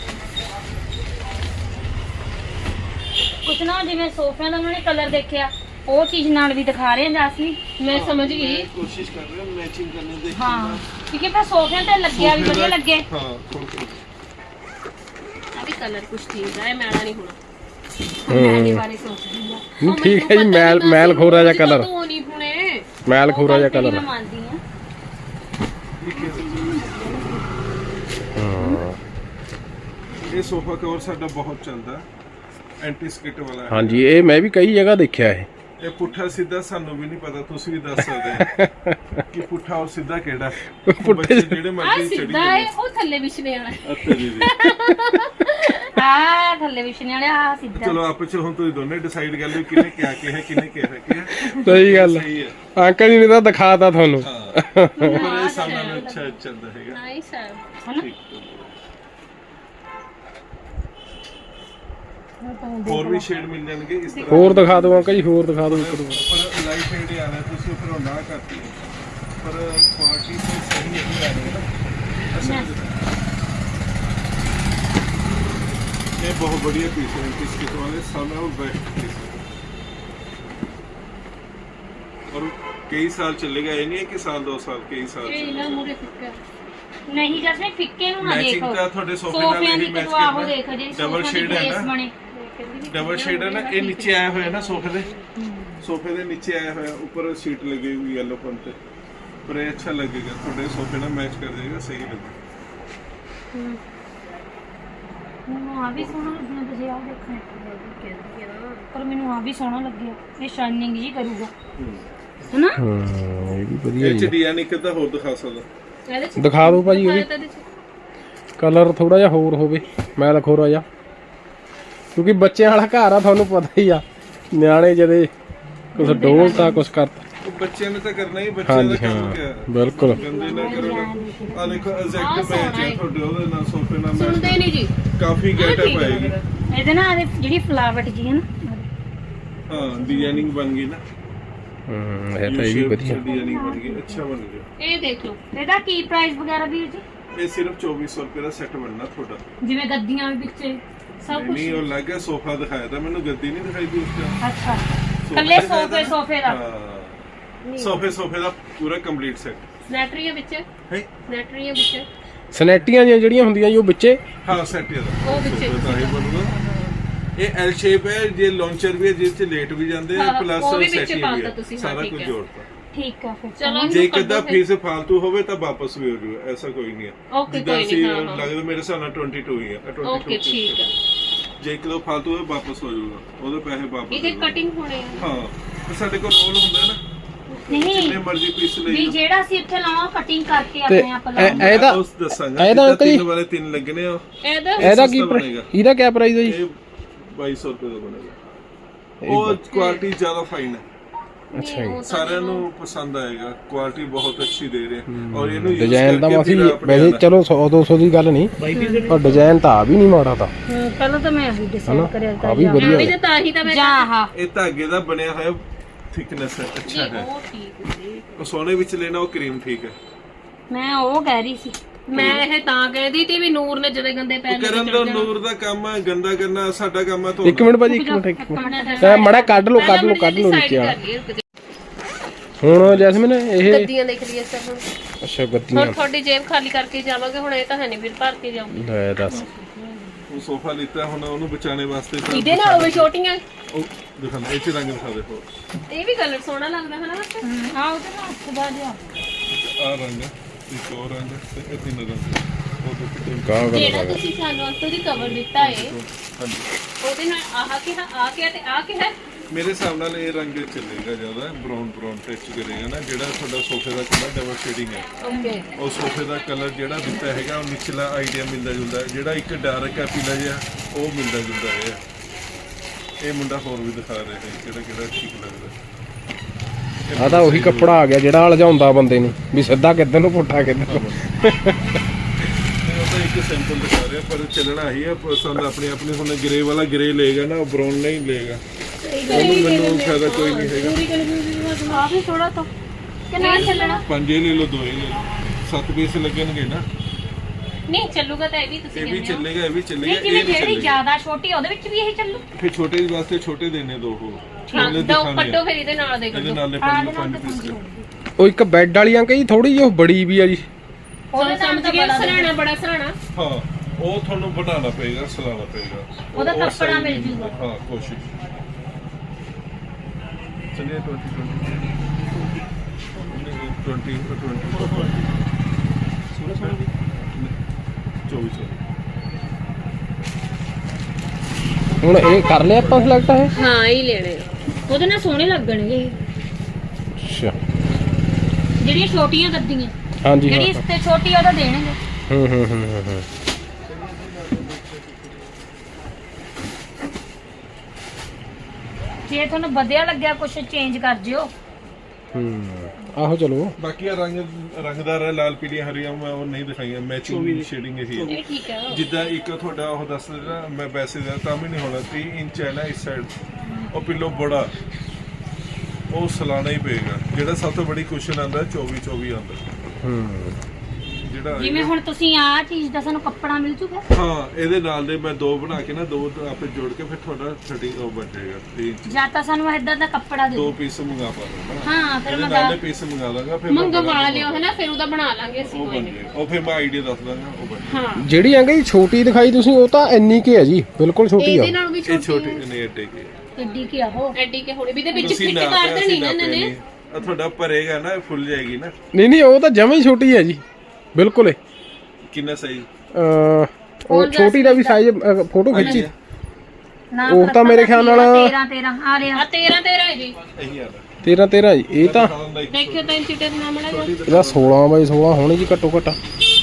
ਕੁਛ ਨਾ ਜਿਵੇਂ ਸੋਫਿਆਂ ਦਾ ਉਹਨਾਂ ਨੇ ਕਲਰ ਦੇਖਿਆ ਉਹ ਚੀਜ਼ ਨਾਲ ਵੀ ਦਿਖਾ ਰਹੇ ਆ ਜਾਸਮੀ
ਮੈਂ ਸਮਝ ਗਈ
कोशिश कर रहे हैं मैचिंग करने देखिए
ਹਾਂ ਕਿਉਂਕਿ ਫਿਰ ਸੋਫਿਆਂ ਤੇ ਲੱਗਿਆ ਵੀ ਵਧੀਆ ਲੱਗੇ
हाँ खोल के
ਆ ਵੀ ਕਲਰ ਕੁਝ ਠੀਕ ਆ ਇਹ ਮੈਲਾ ਨਹੀਂ ਹੋਣਾ
ਮੈਂ ਦੇ ਬਾਰੇ ਸੋਚਦੀ ਆ
ਨਹੀਂ ਠੀਕ ਹੈ ਜੀ ਮੈਲ ਮੈਲ ਖੋਰਾ ਜਿਹਾ ਕਲਰ
ਉਹ ਨਹੀਂ ਹੁਣੇ
ਮੈਲ ਖੋਰਾ ਜਿਹਾ
ਉਹ ਗੱਲ ਤੇ
ਕਲਰ
ਮੈਂ ਮੰਨਦੀ ਆ
ਹਾਂ
ਇਹ ਸੋਫਾ ਕਵਰ ਸਾਡਾ ਬਹੁਤ ਚੱਲਦਾ ਐਂਟੀ ਸਕਿਟ ਵਾਲਾ ਹੈ
ਹਾਂਜੀ ਇਹ ਮੈਂ ਵੀ ਕਈ ਜਗ੍ਹਾ ਦੇਖਿਆ ਇਹ
ਇਹ ਪੁੱਠਾ ਸਿੱਧਾ ਸਾਨੂੰ ਵੀ ਨਹੀਂ ਪਤਾ ਤੁਸੀਂ ਵੀ ਦੱਸ ਸਕਦੇ ਹੋ ਕਿ ਪੁੱਠਾ ਔਰ ਸਿੱਧਾ ਕਿਹੜਾ ਬੱਚੇ ਜਿਹੜੇ
ਆ
ਮਰਜ਼ੀ ਚੜੀ
ਸਿੱਧਾ ਹੈ ਉਹ ਥੱਲੇ ਵਿਛਣੇ ਵਾਲਾ ਹੈ।
ਅੱਛਾ ਜੀ ਜੀ
ਆ ਥੱਲੇ ਵਿਛਣੇ ਵਾਲੇ ਆ ਸਿੱਧਾ
ਚਲੋ ਆਪੇ ਚ ਹੁਣ ਤੁਸੀਂ ਦੋਨੇ ਡਿਸਾਈਡ ਕਰ ਲਿਓ ਕਿਹਨੇ ਕਿਆ ਕਿਹਾ ਕਿਹਨੇ ਕਿਹਾ ਕਿਹਾ
ਸਹੀ ਗੱਲ ਹੈ।
ਸਹੀ ਹੈ
ਅੰਕਲ ਜੀ ਨੇ ਤਾਂ ਦਿਖਾਤਾ ਤੁਹਾਨੂੰ
ਹਾਂ ਪਰ ਇਹ ਸਾਹਮਣੇ ਨੂੰ ਅੱਛਾ ਚੱਲਦਾ ਹੈਗਾ
ਨਾਈਸ ਹੈ
ਹਨਾ
ਠੀਕ ਹੋਰ ਵੀ ਸ਼ੇਡ ਮਿਲ ਜਾਣਗੇ ਇਸ ਤਰ੍ਹਾਂ
ਹੋਰ ਦਿਖਾ ਦਿਓ ਅੰਕਲ ਜੀ ਹੋਰ ਦਿਖਾ ਦਿਓ ਇੱਕ ਦੋ
ਪਰ ਲਾਈਟ ਸ਼ੇਡ ਆ ਰਿਹਾ ਤੁਸੀਂ ਉੱਪਰੋਂ ਨਾ ਕਰਤੀ ਪਰ ਕੁਆਲਿਟੀ ਤੇ ਸਹੀ ਨਹੀਂ ਆ ਰਹੀ ਨਾ ਅੱਛਾ ਇਹ ਬਹੁਤ ਵਧੀਆ ਪੀਸ ਹੈ ਇਸ ਕਿਸ ਵਾਲੇ ਸਾਹਮਣੇ ਉਹ ਬੈਸਟ ਪੀਸ ਹੈ और कई साल चलेगा ये नहीं है कि साल दो साल कई साल
ਇਹ
चलेगा
ਨਾ ਮੂਰੇ ਫਿੱਕਾ
ਨਹੀਂ ਜਸਮੀ ਫਿੱਕੇ ਨੂੰ ਨਾ
मैचिंग
ਦੇਖੋ
का थोड़े सोफे
ਸੋਫਿਆਂ
नाल
ਦੀ
ही मैच
ਤੂੰ ਆਹੋ
करना
ਦੇਖ ਜਿਹੜੀ
डबल
ਸੋਫਿਆਂ ਦੀ
शेड है
ਬੇਸ
ना
ਬਣੇ
डबल शेड है ना ये नीचे आया हुआ है ना सोफे दे सोफे दे नीचे आया हुआ है ऊपर सीट लगी हुई येलो पन पे पर ये अच्छा लगेगा थोड़े सोफे ना मैच कर देगा सही लगेगा
ਮੈਨੂੰ ਆ ਵੀ ਸੋਹਣਾ ਲੱਗਿਆ ਤੁਸੀਂ ਆਹ ਦੇਖੋ ਪਰ ਮੈਨੂੰ ਆ ਵੀ ਸੋਹਣਾ ਲੱਗਿਆ ਇਹ ਸ਼ਾਈਨਿੰਗ ਜੀ ਕਰੂਗਾ ਹੈਨਾ
ਹਾਂ ਇਹ ਵੀ ਵਧੀਆ
ਇਹ ਚ
ਜੀ
ਡਿਜ਼ਾਈਨ ਇੱਕ ਤਾਂ ਹੋਰ ਦਿਖਾ ਸਕਦਾ
ਇਹਦੇ ਚ
ਦਿਖਾ ਦਿਓ ਭਾਜੀ
ਦਿਖਾਇਆ
ਇਹ
ਤਾਂ ਇਹਦੇ ਚ।
ਕਲਰ ਥੋੜਾ ਜਿਹਾ ਹੋਰ ਹੋਵੇ ਮੈਲ ਖੋਰਾ ਜਿਹਾ ਕਿਉਂਕਿ ਬੱਚਿਆਂ ਵਾਲਾ ਘਰ ਆ ਤੁਹਾਨੂੰ ਪਤਾ ਹੀ ਆ ਨਿਆਣੇ ਜਦੇ ਕੁਝ ਡੋਲਤਾ ਕੁਝ ਕਰਤਾ
ਉਹ ਬੱਚਿਆਂ ਨੇ ਤਾਂ ਕਰਨਾ ਹੀ ਬੱਚਿਆਂ ਦਾ
ਹਾਂਜੀ
ਕੰਮ
ਹਾਂ
ਕਿਆ ਹੈ
ਬਿਲਕੁਲ
ਗੰਦੇ ਨਾ ਕਰੋ ਆ ਦੇਖੋ
ਆਹ
ਐਗਜ਼ੈਕਟ
ਸੋਹਣਾ
ਮੈਚ ਹੈ
ਹੈ।
ਤੁਹਾਡੇ ਉਹਦੇ ਨਾਲ ਸੋਫੇ ਨਾਲ
ਸੁਣਦੇ
ਮੈਚ
ਨਹੀਂ ਜੀ
ਕਾਫੀ
ਆਹ
ਗੈਟਅਪ
ਠੀਕ ਹੈ
ਆਏਗੀ
ਮਗਰ।
ਇਹਦੇ ਨਾਲ ਇਹਦੇ ਜਿਹੜੀ ਫਲਾਵਟ ਜੀ ਹੈ ਨਾ
ਹਾਂ डिजाइनिंग बन गई ना
ਹੂੰ ਇਹ ਤਾਂ ਇਹ ਵੀ ਵਧੀਆ
डिजाइनिंग बन गई अच्छा बन गया
ਇਹ ਦੇਖ ਲਓ
ਇਹਦਾ ਕੀ ਪ੍ਰਾਈਸ ਵਗੈਰਾ ਵੀਰ ਜੀ
ਇਹ ਸਿਰਫ चौबीस सौ रुपਏ ਦਾ ਸੈੱਟ ਬਣਨਾ ਤੁਹਾਡਾ
ਜਿਵੇਂ ਗੱਦੀਆਂ ਵੀ ਵਿੱਚੇ
ਸਭ ਕੁਝ
ਨਹੀਂ ਉਹ ਲੱਗ ਗਿਆ ਸੋਫਾ ਦਿਖਾਇਆ ਤਾਂ ਮੈਨੂੰ ਗੱਦੀ ਨਹੀਂ ਦਿਖਾਈ ਦੀ ਉਸ ਦਾ
ਅੱਛਾ ਕੱਲੇ ਸੋਫੇ ਸੋਫੇ ਦਾ
ਹਾਂ ਸੋਫੇ ਸੋਫੇ ਦਾ ਪੂਰਾ ਕੰਪਲੀਟ ਸੈੱਟ
ਸਨੈਟਰੀਆਂ ਵਿੱਚ
ਹੈ
ਸਨੈਟਰੀਆਂ ਵਿੱਚ
ਸਨੈਟੀਆਂ ਜਿਹੀਆਂ ਜਿਹੜੀਆਂ ਹੁੰਦੀਆਂ ਜੀ ਉਹ ਵਿੱਚੇ
ਹਾਂ ਸੈੱਟ ਇਹਦਾ
ਉਹ ਵਿੱਚ
ਸੋਫੇ ਦਾ ਹੀ ਬਣੂਗਾ ਇਹ ਐਲ ਸ਼ੇਪ ਹੈ ਜੇ ਲਾਂਚਰ ਵੀ ਹੈ ਜਿਸ ਚ ਲੇਟ ਵੀ ਜਾਂਦੇ
ਹਾਂ,
ਪਲੱਸ
ਉਹ ਵੀ
ਸੈੱਟ
ਵਿੱਚ
ਹੀ
ਪਾ
ਵੀ
ਦਿੱਤਾ
ਹੈ
ਤੁਸੀਂ, ਹਾਂ,
ਸਾਰਾ
ਠੀਕ
ਕੁਝ
ਹੈ।
ਜੋੜਤਾ
ਠੀਕ ਆ ਫਿਰ
ਚਲੋ
ਜੇ
ਇਹਨੂੰ
ਕਿੱਦਾਂ
ਕੱਢੋ ਫਿਰ।
ਫੀਸ ਫਾਲਤੂ ਹੋਵੇ ਤਾਂ ਵਾਪਸ ਵੀ ਹੋ ਜਾਊਗਾ ਐਸਾ ਕੋਈ ਨਹੀਂ ਹੈ
ਓਕੇ
ਜਿੱਦਾਂ
ਕੋਈ
ਅਸੀਂ
ਨਹੀਂ ਹਾਂ ਹਾਂ
ਲੱਗਦਾ ਮੇਰੇ ਹਿਸਾਬ ਨਾਲ ਬਾਈ ਹੀ ਹੈ ਅ, ਬਾਈ
ਓਕੇ ਠੀਕ ਹੈ
ਜੇ ਇੱਕ ਦੋ ਫਾਲਤੂ ਹੋਵੇ ਵਾਪਸ ਹੋ ਜਾਊਗਾ ਉਹਦੇ ਪੈਸੇ ਵਾਪਸ
ਇਹਦੇ
ਹੋ ਜਾਊਗਾ।
ਕਟਿੰਗ ਹੋਣੇ ਆ
ਹਾਂ ਤੇ ਸਾਡੇ ਕੋਲ ਰੋਲ ਹੁੰਦਾ ਨਾ ਜਿੰਨੇ
ਨਹੀਂ
ਮਰਜ਼ੀ ਪੀਸ
ਵੀ
ਲਈ
ਜਿਹੜਾ ਅਸੀਂ ਇੱਥੇ ਲਾਵਾਂ ਕਟਿੰਗ ਕਰਕੇ
ਤੇ
ਆਪਣੇ ਆਪ
ਇਹ-
ਲਾਵਾਂਗੇ
ਇਹਦਾ-
ਉਸ ਦੱਸਾਂਗਾ
ਇਹਦਾ
ਇਹਦਾ
ਅੰਕਲ ਜੀ-
ਤਿੰਨ ਵਾਲੇ ਤਿੰਨ ਲੱਗਣੇ ਆ
ਇਹਦਾ
ਇਹਦਾ ਕੀ
ਸਸਤਾ
ਪ੍ਰਾ-
ਬਣੇਗਾ।
ਇਹਦਾ ਕੀ ਪ੍ਰਾਈਸ ਹੈ ਜੀ
ਇਹ ਬਾਈ ਸੌ ਰੁਪਏ ਦਾ ਬਣੇਗਾ ਉਹ ਕੁਆਲਿਟੀ ਜ਼ਿਆਦਾ ਫਾਈਨ ਹੈ
ਅੱਛਾ ਜੀ
ਸਾਰਿਆਂ ਨੂੰ ਪਸੰਦ ਆਏਗਾ ਕੁਆਲਿਟੀ ਬਹੁਤ ਅੱਛੀ ਦੇ ਰਹੇ ਔਰ ਇਹਨੂੰ use
ਡਿਜ਼ਾਈਨ ਤਾਂ
ਕਰਕੇ
ਮਾਸੀ
ਫਿਰ ਆਪਣੇ
ਵੈਸੇ
ਆਪ-
ਚਲੋ ਸੌ ਦੋ ਸੌ ਦੀ ਗੱਲ ਨਹੀਂ ਪਰ ਡਿਜ਼ਾਈਨ ਤਾਂ ਆ ਵੀ ਨਹੀਂ ਮਾੜਾ ਤਾਂ
ਪਹਿਲਾਂ ਤਾਂ ਮੈਂ ਇਹੀ
ਹਨਾ
ਡਿਸਾਈਡ ਕਰਿਆ
ਆ ਵੀ ਵਧੀਆ
ਵੀ ਤਾਂ ਤਾਂ ਹੀ ਤਾਂ ਮੈਂ
ਜਾਂ ਹਾਂ
ਇਹ ਧਾਗੇ ਦਾ ਬਣਿਆ ਹੋਇਆ थिकनेस है अच्छा है।
ਉਹ ਠੀਕ ਸੀ।
ਉਹ ਸੋਨੇ ਵਿੱਚ ਲੈਣਾ ਉਹ ਕਰੀਮ ਠੀਕ ਹੈ।
ਮੈਂ ਉਹ ਕਹਿ ਰਹੀ ਸੀ
ਮੈਂ ਇਹ ਤਾਂ ਕਹਿੰਦੀ ਤੀ ਵੀ ਨੂਰ ਨੇ ਜਦੇ ਗੰਦੇ ਪੈਰ
ਉਹ ਕਰਨ ਦਾ ਨੂਰ ਦਾ ਕੰਮ ਹੈ, ਗੰਦਾ ਕਰਨਾ ਸਾਡਾ ਕੰਮ ਹੈ।
ਇੱਕ ਮਿੰਟ ਭਾਜੀ ਇੱਕ ਮਿੰਟ ਇੱਕ ਮਿੰਟ ਇਹ ਮੜਾ ਕੱਢ ਲਓ ਕੱਢ ਲਓ ਕੱਢ ਲਓ ਨੀਚੇ ਆ ਹੁਣ ਜੈਸਮੀਨ ਇਹ
ਗੱਦੀਆਂ ਦੇਖ ਲਈਏ ਸਰ ਹੁਣ।
ਅੱਛਾ ਗੱਦੀਆਂ
ਹੁਣ ਤੁਹਾਡੀ ਜੇਬ ਖਾਲੀ ਕਰਕੇ ਜਾਵਾਂਗੇ, ਹੁਣ ਇਹ ਤਾਂ ਹੈ ਨਹੀਂ ਫਿਰ ਭਰ ਕੇ ਜਾਊਂ।
ਲੈ ਦੱਸ
ਉਹ ਸੋਫਾ ਲਿੱਤਾ ਹੁਣ ਉਹਨੂੰ ਬਚਾਉਣੇ ਵਾਸਤੇ ਤਾਂ
ਇਹਦੇ ਨਾਲ ਉਹ ਵੀ ਛੋਟੀਆਂ
ਉਹ ਦਿਖਾ ਇਹ ਚ ਰੰਗ ਦਿਖਾ ਦੇਖੋ।
ਇਹ ਵੀ ਕਲਰ ਸੋਹਣਾ ਲੱਗਦਾ ਹੈ ਨਾ ਬਸ।
ਹਾਂ ਉਹਦੇ ਨਾਲ ਹੱਥ ਦਾ ਜਿਹਾ
ਆ ਰੰਗ ਇੱਕ ਹੋਰ ਰੰਗ ਤੇ ਇਹ ਤਿੰਨ ਰੰਗ ਉਹ ਦੇਖੋ।
ਕਾ ਗੱਲ
ਜਿਹੜਾ ਤੁਸੀਂ ਸਾਨੂੰ ਉੱਤੇ ਦੀ ਕਵਰ ਦਿੱਤਾ ਏ
ਹਾਂਜੀ
ਉਹਦੇ ਨਾਲ ਆਹ ਕੀ ਹੈ, ਆ ਕੀ ਹੈ ਤੇ ਆ ਕੀ ਹੈ?
ਮੇਰੇ ਹਿਸਾਬ ਨਾਲ ਇਹ ਰੰਗ ਚੱਲੇਗਾ ਜ਼ਿਆਦਾ ਬਰਾਊਨ ਬਰਾਊਨ ਟੱਚ ਕਰੇਗਾ ਨਾ। ਜਿਹੜਾ ਤੁਹਾਡਾ ਸੋਫੇ ਦਾ ਕਲਰ ਡਬਲ ਸ਼ੇਡਿੰਗ ਹੈ
ਓਕੇ
ਉਹ ਸੋਫੇ ਦਾ ਕਲਰ ਜਿਹੜਾ ਦਿੱਤਾ ਹੈਗਾ ਉਹ ਨਿਚਲਾ ਆਈਡੀਆ ਮਿਲਦਾ ਜੁਲਦਾ, ਜਿਹੜਾ ਇੱਕ ਡਾਰਕ ਹੈ ਪੀਲਾ ਜਿਹਾ ਉਹ ਮਿਲਦਾ ਜੁਲਦਾ ਹੈ। ਇਹ ਮੁੰਡਾ ਹੋਰ ਵੀ ਦਿਖਾ ਰਿਹਾ ਹੈ ਕਿਹੜਾ ਕਿਹੜਾ ਠੀਕ ਲੱਗਦਾ।
ਆ ਤਾਂ ਉਹੀ ਕੱਪੜਾ ਆ ਗਿਆ ਜਿਹੜਾ ਅਲਝਾਉਂਦਾ ਬੰਦੇ ਨੂੰ ਵੀ ਸਿੱਧਾ ਕਿੱਧਰ ਨੂੰ ਪੁੱਠਾ ਕਿੱਧਰ ਨੂੰ।
ਉਹ ਤਾਂ ਇੱਕ ਸੈਂਪਲ ਦਿਖਾ ਰਿਹਾ ਪਰ ਚੱਲਣਾ ਹੀ ਹੈ। ਪਸੰਦ ਆਪਣੀ ਆਪਣੀ ਹੁਣ ਗ੍ਰੇ ਵਾਲਾ ਗ੍ਰੇ ਲਏਗਾ ਨਾ, ਉਹ ਬਰਾਊਨ ਨਹੀਂ ਲਏਗਾ। ਉਹਨੂੰ ਮੈਨੂੰ ਫਾਇਦਾ ਕੋਈ ਨਹੀਂ ਹੈਗਾ।
ਆ ਵੀ ਥੋੜਾ ਤਾਂ ਕਿੰਨਾ ਚੱਲਣਾ
ਪੰਜ ਹੀ ਲੈ ਲਓ, ਦੋ ਹੀ ਲੈ ਲਓ, ਸੱਤ ਪੀਸ ਲੱਗਣਗੇ ਨਾ।
ਨਹੀਂ ਚੱਲੂਗਾ ਤਾਂ ਇਹ ਵੀ ਤੁਸੀਂ
ਇਹ ਵੀ
ਕਹਿੰਦੇ ਹੋ।
ਚੱਲੇਗਾ ਇਹ ਵੀ ਚੱਲੇਗਾ
ਨਹੀਂ
ਇਹ
ਜਿਵੇਂ
ਵੀ
ਜਿਹੜੀ
ਚੱਲੇਗਾ।
ਜ਼ਿਆਦਾ ਛੋਟੀ ਉਹਦੇ ਵਿੱਚ ਵੀ ਇਹੀ ਚੱਲੂ।
ਫਿਰ ਛੋਟੇ ਦੇ ਵਾਸਤੇ ਛੋਟੇ ਦੇਣੇ ਦੋ ਹੋ
ਹਾਂ ਦੋ ਪੱਟੋ ਫਿਰ ਇਹਦੇ ਨਾਲ ਦੇ
ਇਹਦੇ
ਕੱਢੋ।
ਨਾਲੇ ਪੰਜ ਪੰਜ ਪੀਸ
ਉਹ ਇੱਕ ਬੈੱਡ ਵਾਲੀਆਂ ਕਈ ਥੋੜੀ ਜਿਹੀ ਉਹ ਬੜੀ ਵੀ ਆ ਜੀ।
ਉਹਦੇ ਸਮਝ ਗਏ ਸਰਾਣਾ ਬੜਾ ਸਰਾਣਾ।
ਹਾਂ ਉਹ ਤੁਹਾਨੂੰ ਬਣਾਉਣਾ ਪਏਗਾ, ਸਲਾਣਾ ਪਏਗਾ।
ਉਹਦਾ
ਉਹ
ਕੱਪੜਾ
size
ਮਿਲ ਜੂਗਾ।
ਹਾਂ ਕੋਸ਼ਿਸ਼ ਚਲਿए ट्वेंटी ट्वेंटी चौबीस
ਹੁਣ ਇਹ ਕਰ ਲਿਆ ਆਪਾਂ ਸਿਲੈਕਟ ਹੈ।
ਹਾਂ ਹੀ ਲੈਣੇ ਆ।
ਉਹਦੇ ਨਾਲ ਸੋਹਣੇ ਲੱਗਣਗੇ ਇਹ।
ਅੱਛਾ
ਜਿਹੜੀਆਂ ਛੋਟੀਆਂ ਗੱਦੀਆਂ
ਹਾਂਜੀ
ਜਿਹੜੀ
ਹਾਂ
ਇਸ ਤੇ ਛੋਟੀ ਉਹਦਾ ਦੇਣਗੇ।
ਹੂੰ ਹੂੰ ਹੂੰ ਹੂੰ ਹੂੰ
ਜੇ ਤੁਹਾਨੂੰ ਵਧੀਆ ਲੱਗਿਆ ਕੁਝ ਚੇਂਜ ਕਰ ਜਿਓ।
ਹੂੰ ਆਹੋ ਚਲੋ
ਬਾਕੀ ਆ ਰੰਗ ਰੰਗਦਾਰ ਹੈ, ਲਾਲ ਪੀਲੀਆਂ ਹਰੀਆਂ ਮੈਂ ਉਹ ਨਹੀਂ ਦਿਖਾਈਆਂ, ਮੈਚਿੰਗ ਸ਼ੇਡਿੰਗ ਇਹੀ ਹੈ।
ਇਹ ਠੀਕ ਹੈ।
ਜਿੱਦਾਂ ਇੱਕ ਤੁਹਾਡਾ ਉਹ ਦੱਸ ਰਿਹਾ ਮੈਂ ਪੈਸੇ ਦਾ ਤਾਂ ਵੀ ਨਹੀਂ ਹੋਣਾ। ਤੀਹ ਇੰਚ ਹੈ ਨਾ ਇਸ ਸਾਈਡ, ਉਹ ਪਿੱਲੋ ਬੜਾ ਉਹ ਸਲਾਣਾ ਹੀ ਪਏਗਾ। ਜਿਹੜਾ ਸਭ ਤੋਂ ਬੜੀ ਕੁਸ਼ਨ ਆਉਂਦਾ ਚੌਵੀ ਚੌਵੀ ਆਉਂਦਾ
ਹੂੰ
ਜਿਹੜਾ
ਜਿਵੇਂ ਹੁਣ ਤੁਸੀਂ ਆਹ ਚੀਜ਼ ਦਾ ਸਾਨੂੰ ਕੱਪੜਾ ਮਿਲ ਜੂਗਾ।
ਹਾਂ ਇਹਦੇ ਨਾਲ ਦੇ ਮੈਂ ਦੋ ਬਣਾ ਕੇ ਨਾ ਦੋ ਆਪੇ ਜੋੜ ਕੇ ਫਿਰ ਤੁਹਾਡਾ ਥਰਟੀ ਉਹ ਬਣ ਜਾਏਗਾ ਤੀਹ ਇੰਚ।
ਜਾਂ ਤਾਂ ਸਾਨੂੰ ਇਦਾਂ ਦਾ ਕੱਪੜਾ ਦੇ
ਦੋ
ਦਿਓ।
ਪੀਸ ਮੰਗਾ ਪਾ ਲਵਾਂਗਾ।
ਹਾਂ ਫਿਰ
ਇਹਦੇ
ਮੈਂ
ਨਾਲ ਦੇ ਪੀਸ ਮੰਗਾ ਲਾਂਗਾ ਫਿਰ ਮੈਂ
ਮੰਗਵਾ
ਬਣਾ
ਲਿਓ ਹੈ ਨਾ, ਫਿਰ ਉਹਦਾ ਬਣਾ ਲਾਂਗੇ ਅਸੀਂ
ਉਹ
ਕੋਈ
ਬਣ
ਨਹੀਂ।
ਜਾਏਗਾ। ਉਹ ਫਿਰ ਮੈਂ ਆਈਡੀਆ ਦੱਸ ਦਾਂਗਾ ਉਹ ਬਣ ਜਾਏਗਾ।
ਹਾਂ
ਜਿਹੜੀ ਆ ਗਈ ਛੋਟੀ ਦਿਖਾਈ ਤੁਸੀਂ ਉਹ ਤਾਂ ਇੰਨੀ ਕੀ ਹੈ ਜੀ, ਬਿਲਕੁਲ ਛੋਟੀ ਆ।
ਇਹਦੇ ਨਾਲ ਵੀ
ਇਹ
ਛੋਟੀ
ਛੋਟੀ ਨਹੀਂ ਐਡੇ ਕੇ
ਕਿੱਡੀ ਕੀ ਆ ਉਹ।
ਐਡੀ ਕੇ ਹੋਣੀ ਵੀ ਦੇ ਵਿੱਚ
ਤੁਸੀਂ
ਫਿੱਟ
ਨਾ
ਕਰ
ਪਿਆ,
ਦੇਣੀ
ਅਸੀਂ
ਨਾ
ਨਾ
ਇਹਨਾਂ ਨੇ।
ਪਿਆ ਨਹੀਂ। ਆ ਤੁਹਾਡਾ ਭਰੇਗਾ ਨਾ ਇਹ ਫੁੱਲ ਜਾਏਗੀ ਨਾ।
ਨਹੀਂ ਨਹੀਂ ਉਹ ਤਾਂ ਜਮਾਂ ਹੀ ਛੋਟੀ ਹੈ ਜੀ ਬਿਲਕੁਲ ਹੀ।
ਕਿੰਨਾ ਸਾਈਜ਼
ਅਹ ਉਹ ਛੋਟੀ ਦਾ ਵੀ ਸਾਈਜ਼ ਫੋਟੋ ਖਿੱਚੀ
ਨਾ
ਉਹ ਤਾਂ ਮੇਰੇ ਖਿਆਲ ਨਾਲ
ਤੇਰਾਂ ਤੇਰਾਂ ਆ ਰਿਹਾ।
ਆ ਤੇਰਾਂ ਤੇਰਾਂ ਹੈ ਜੀ।
ਇਹੀ ਆਦਾ
ਤੇਰਾਂ ਤੇਰਾਂ ਜੀ। ਇਹ ਤਾਂ
ਦੇਖਿਓ ਤਾਂ ਇੰਚ ਟੇਪ ਨਾ ਮੜਾ ਜਾ।
ਇਹਦਾ ਸੋਲਾਂ ਬਾਈ ਸੋਲਾਂ ਹੋਣੀ ਜੀ ਘੱਟੋ ਘੱਟ।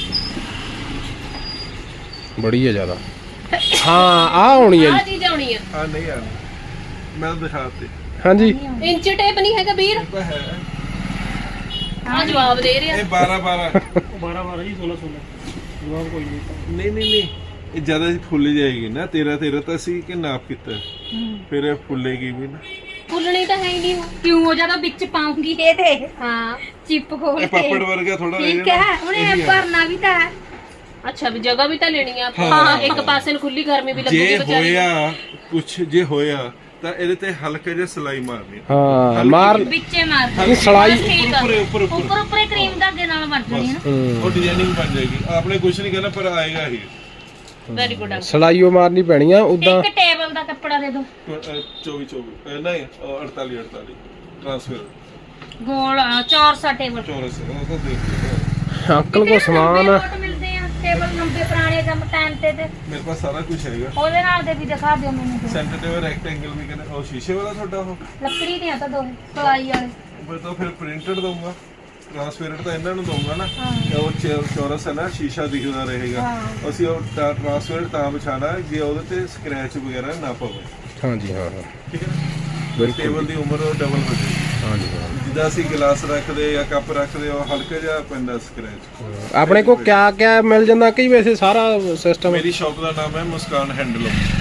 ਬੜੀ ਹੈ ਜ਼ਿਆਦਾ। ਹਾਂ ਆ ਹੋਣੀ ਹੈ
ਆ
ਜੀ।
ਚੀਜ਼ ਆਉਣੀ ਆ।
ਹਾਂ ਨਹੀਂ ਆਣੀ ਮੈਂ ਤਾਂ ਦਿਖਾਤੀ
ਹਾਂਜੀ
ਇੰਚ ਟੇਪ ਨਹੀਂ ਹੈਗਾ ਵੀਰ।
ਤਾਂ ਹੈ
ਆ ਜਵਾਬ ਦੇ ਰਿਹਾ।
ਇਹ ਬਾਰਾਂ ਬਾਰਾਂ ਬਾਰਾਂ ਬਾਰਾਂ ਜੀ ਸੋਲਾਂ ਸੋਲਾਂ ਜਵਾਬ ਕੋਈ ਨਹੀਂ ਨਹੀਂ ਨਹੀਂ ਇਹ ਜ਼ਿਆਦਾ ਫੁੱਲ ਜਾਏਗੀ ਨਾ। ਤੇਰਾਂ ਤੇਰਾਂ ਤਾਂ ਅਸੀਂ ਕਿ ਨਾਪ ਕੀਤਾ ਫਿਰ ਇਹ ਫੁੱਲੇਗੀ ਵੀ ਨਾ।
ਫੁੱਲਣੀ ਤਾਂ ਹੈ ਹੀ ਨਹੀਂ ਉਹ।
ਕਿਉਂ ਉਹ ਜਿਆਦਾ ਵਿੱਚ ਪਾਉਂਗੀ ਇਹਦੇ।
ਹਾਂ
ਚਿਪ ਖੋਲ
ਇਹ
ਕੇ
ਪਾਪੜ ਵਰਗਾ ਥੋੜਾ
ਠੀਕ ਹੈ ਉਹਨੇ ਭਰਨਾ ਵੀ ਤਾਂ ਹੈ।
ਅੱਛਾ ਵੀ ਜਗ੍ਹਾ ਵੀ ਤਾਂ ਲੈਣੀ ਆ ਆਪਾਂ। ਹਾਂ ਇੱਕ ਪਾਸੇ ਨੂੰ ਖੁੱਲੀ ਗਰਮੀ ਵੀ ਲੱਗੂਗੀ
ਜੇ
ਵਿਚਾਰੀ ਨੂੰ।
ਹੋਇਆ ਕੁਛ ਜੇ ਹੋਇਆ ਤਾਂ ਇਹਦੇ ਤੇ ਹਲਕਾ ਜਿਹਾ ਸਲਾਈ ਮਾਰਨੀ
ਹਾਂ ਮਾਰ
ਵਿੱਚੇ ਮਾਰ
ਇਹ ਸਲਾਈ
ਠੀਕ ਆ।
ਉੱਪਰ ਉੱਪਰ ਉੱਪਰ
ਉੱਪਰ ਉੱਪਰ ਕਰੀਮ ਧਾਗੇ ਨਾਲ ਵੜ ਜਾਣੀ ਹੈ ਨਾ।
ਹੂੰ
ਉਹ ਡਿਜ਼ਾਈਨਿੰਗ ਬਣ ਜਾਏਗੀ। ਆਪਨੇ ਕੁਛ ਨਹੀਂ ਕਰਨਾ ਪਰ ਆਏਗਾ ਹੀ।
ਵੈਰੀ ਗੁੱਡ ਆ।
ਸਲਾਈ ਉਹ ਮਾਰਨੀ ਪੈਣੀ ਆ ਉਦਾਂ।
ਇੱਕ ਟੇਬਲ ਦਾ ਕੱਪੜਾ ਦੇ ਦਿਓ
ਚੌਵੀ ਚੌਵੀ ਨਹੀਂ ਅੜਤਾਲੀ ਅੜਤਾਲੀ ਟ੍ਰਾਂਸਫਰ
ਗੋਲ ਆ, ਚੌਰਸਾ ਟੇਬਲ।
ਚੌਰਸ ਉਹ ਤਾਂ ਦੇਖ ਲਿਓ।
ਅੰਕਲ ਕੋ ਸਮਾਨ
ਨੋਟ ਮਿਲਦੇ ਆ ਟੇਬਲ ਨੰਬੇ ਪੁਰਾਣੇ ਜਮ ਟਾਈਮ ਤੇ ਤੇ
ਮੇਰੇ ਪਾਸ ਸਾਰਾ ਕੁਝ ਹੈਗਾ।
ਉਹਦੇ ਨਾਲ ਦੇ ਵੀ ਦਿਖਾ ਦਿਓ ਮੈਨੂੰ ਫਿਰ।
ਸੈਂਟਰ ਟੇਬਲ ਰੈਕਟੈਂਗਲ ਵੀ ਕਹਿੰਦੇ ਉਹ ਸ਼ੀਸ਼ੇ ਵਾਲਾ ਤੁਹਾਡਾ ਉਹ
ਲੱਕੜੀ ਦੇ ਆ ਤਾਂ ਦੋ ਪਲਾਈ ਵਾਲੇ।
ਮੈਂ ਤਾਂ ਫਿਰ ਪ੍ਰਿੰਟਡ ਦਊਂਗਾ। ਟ੍ਰਾਂਸਪੇਰੈਂਟ ਤਾਂ ਇਹਨਾਂ ਨੂੰ ਦਊਂਗਾ ਨਾ। ਉਹ ਚੌ- ਚੌਰਸ ਹੈ ਨਾ ਸ਼ੀਸ਼ਾ ਦਿਖਦਾ ਰਹੇਗਾ। ਅਸੀਂ ਉਹ ਟ੍ਰਾਂਸਪੇਰੈਂਟ ਤਾਂ ਵਿਛਾਣਾ ਜੇ ਉਹਦੇ ਤੇ ਸਕ੍ਰੈਚ ਵਗੈਰਾ ਨਾ ਪਵੇ।
ਹਾਂਜੀ ਹਾਂ ਹਾਂ
ਠੀਕ ਹੈ ਨਾ।
ਬਿਲਕੁਲ
ਟੇਬਲ ਦੀ ਉਮਰ ਡਬਲ ਹੋ ਜਾਏਗੀ।
ਹਾਂਜੀ ਹਾਂ
ਜਿੱਦਾਂ ਅਸੀਂ ਗਲਾਸ ਰੱਖਦੇ ਜਾਂ ਕੱਪ ਰੱਖਦੇ ਉਹ ਹਲਕਾ ਜਿਹਾ ਪੈਂਦਾ ਸਕ੍ਰੈਚ।
ਆਪਣੇ ਕੋ ਕਿਆ ਕਿਆ ਮਿਲ ਜਾਂਦਾ ਕਈ ਵੈਸੇ ਸਾਰਾ ਸਿਸਟਮ।
ਮੇਰੀ ਸ਼ਾਪ ਦਾ ਨਾਮ ਹੈ ਮੁਸਕਾਨ ਹੈਂਡਲੂਮ।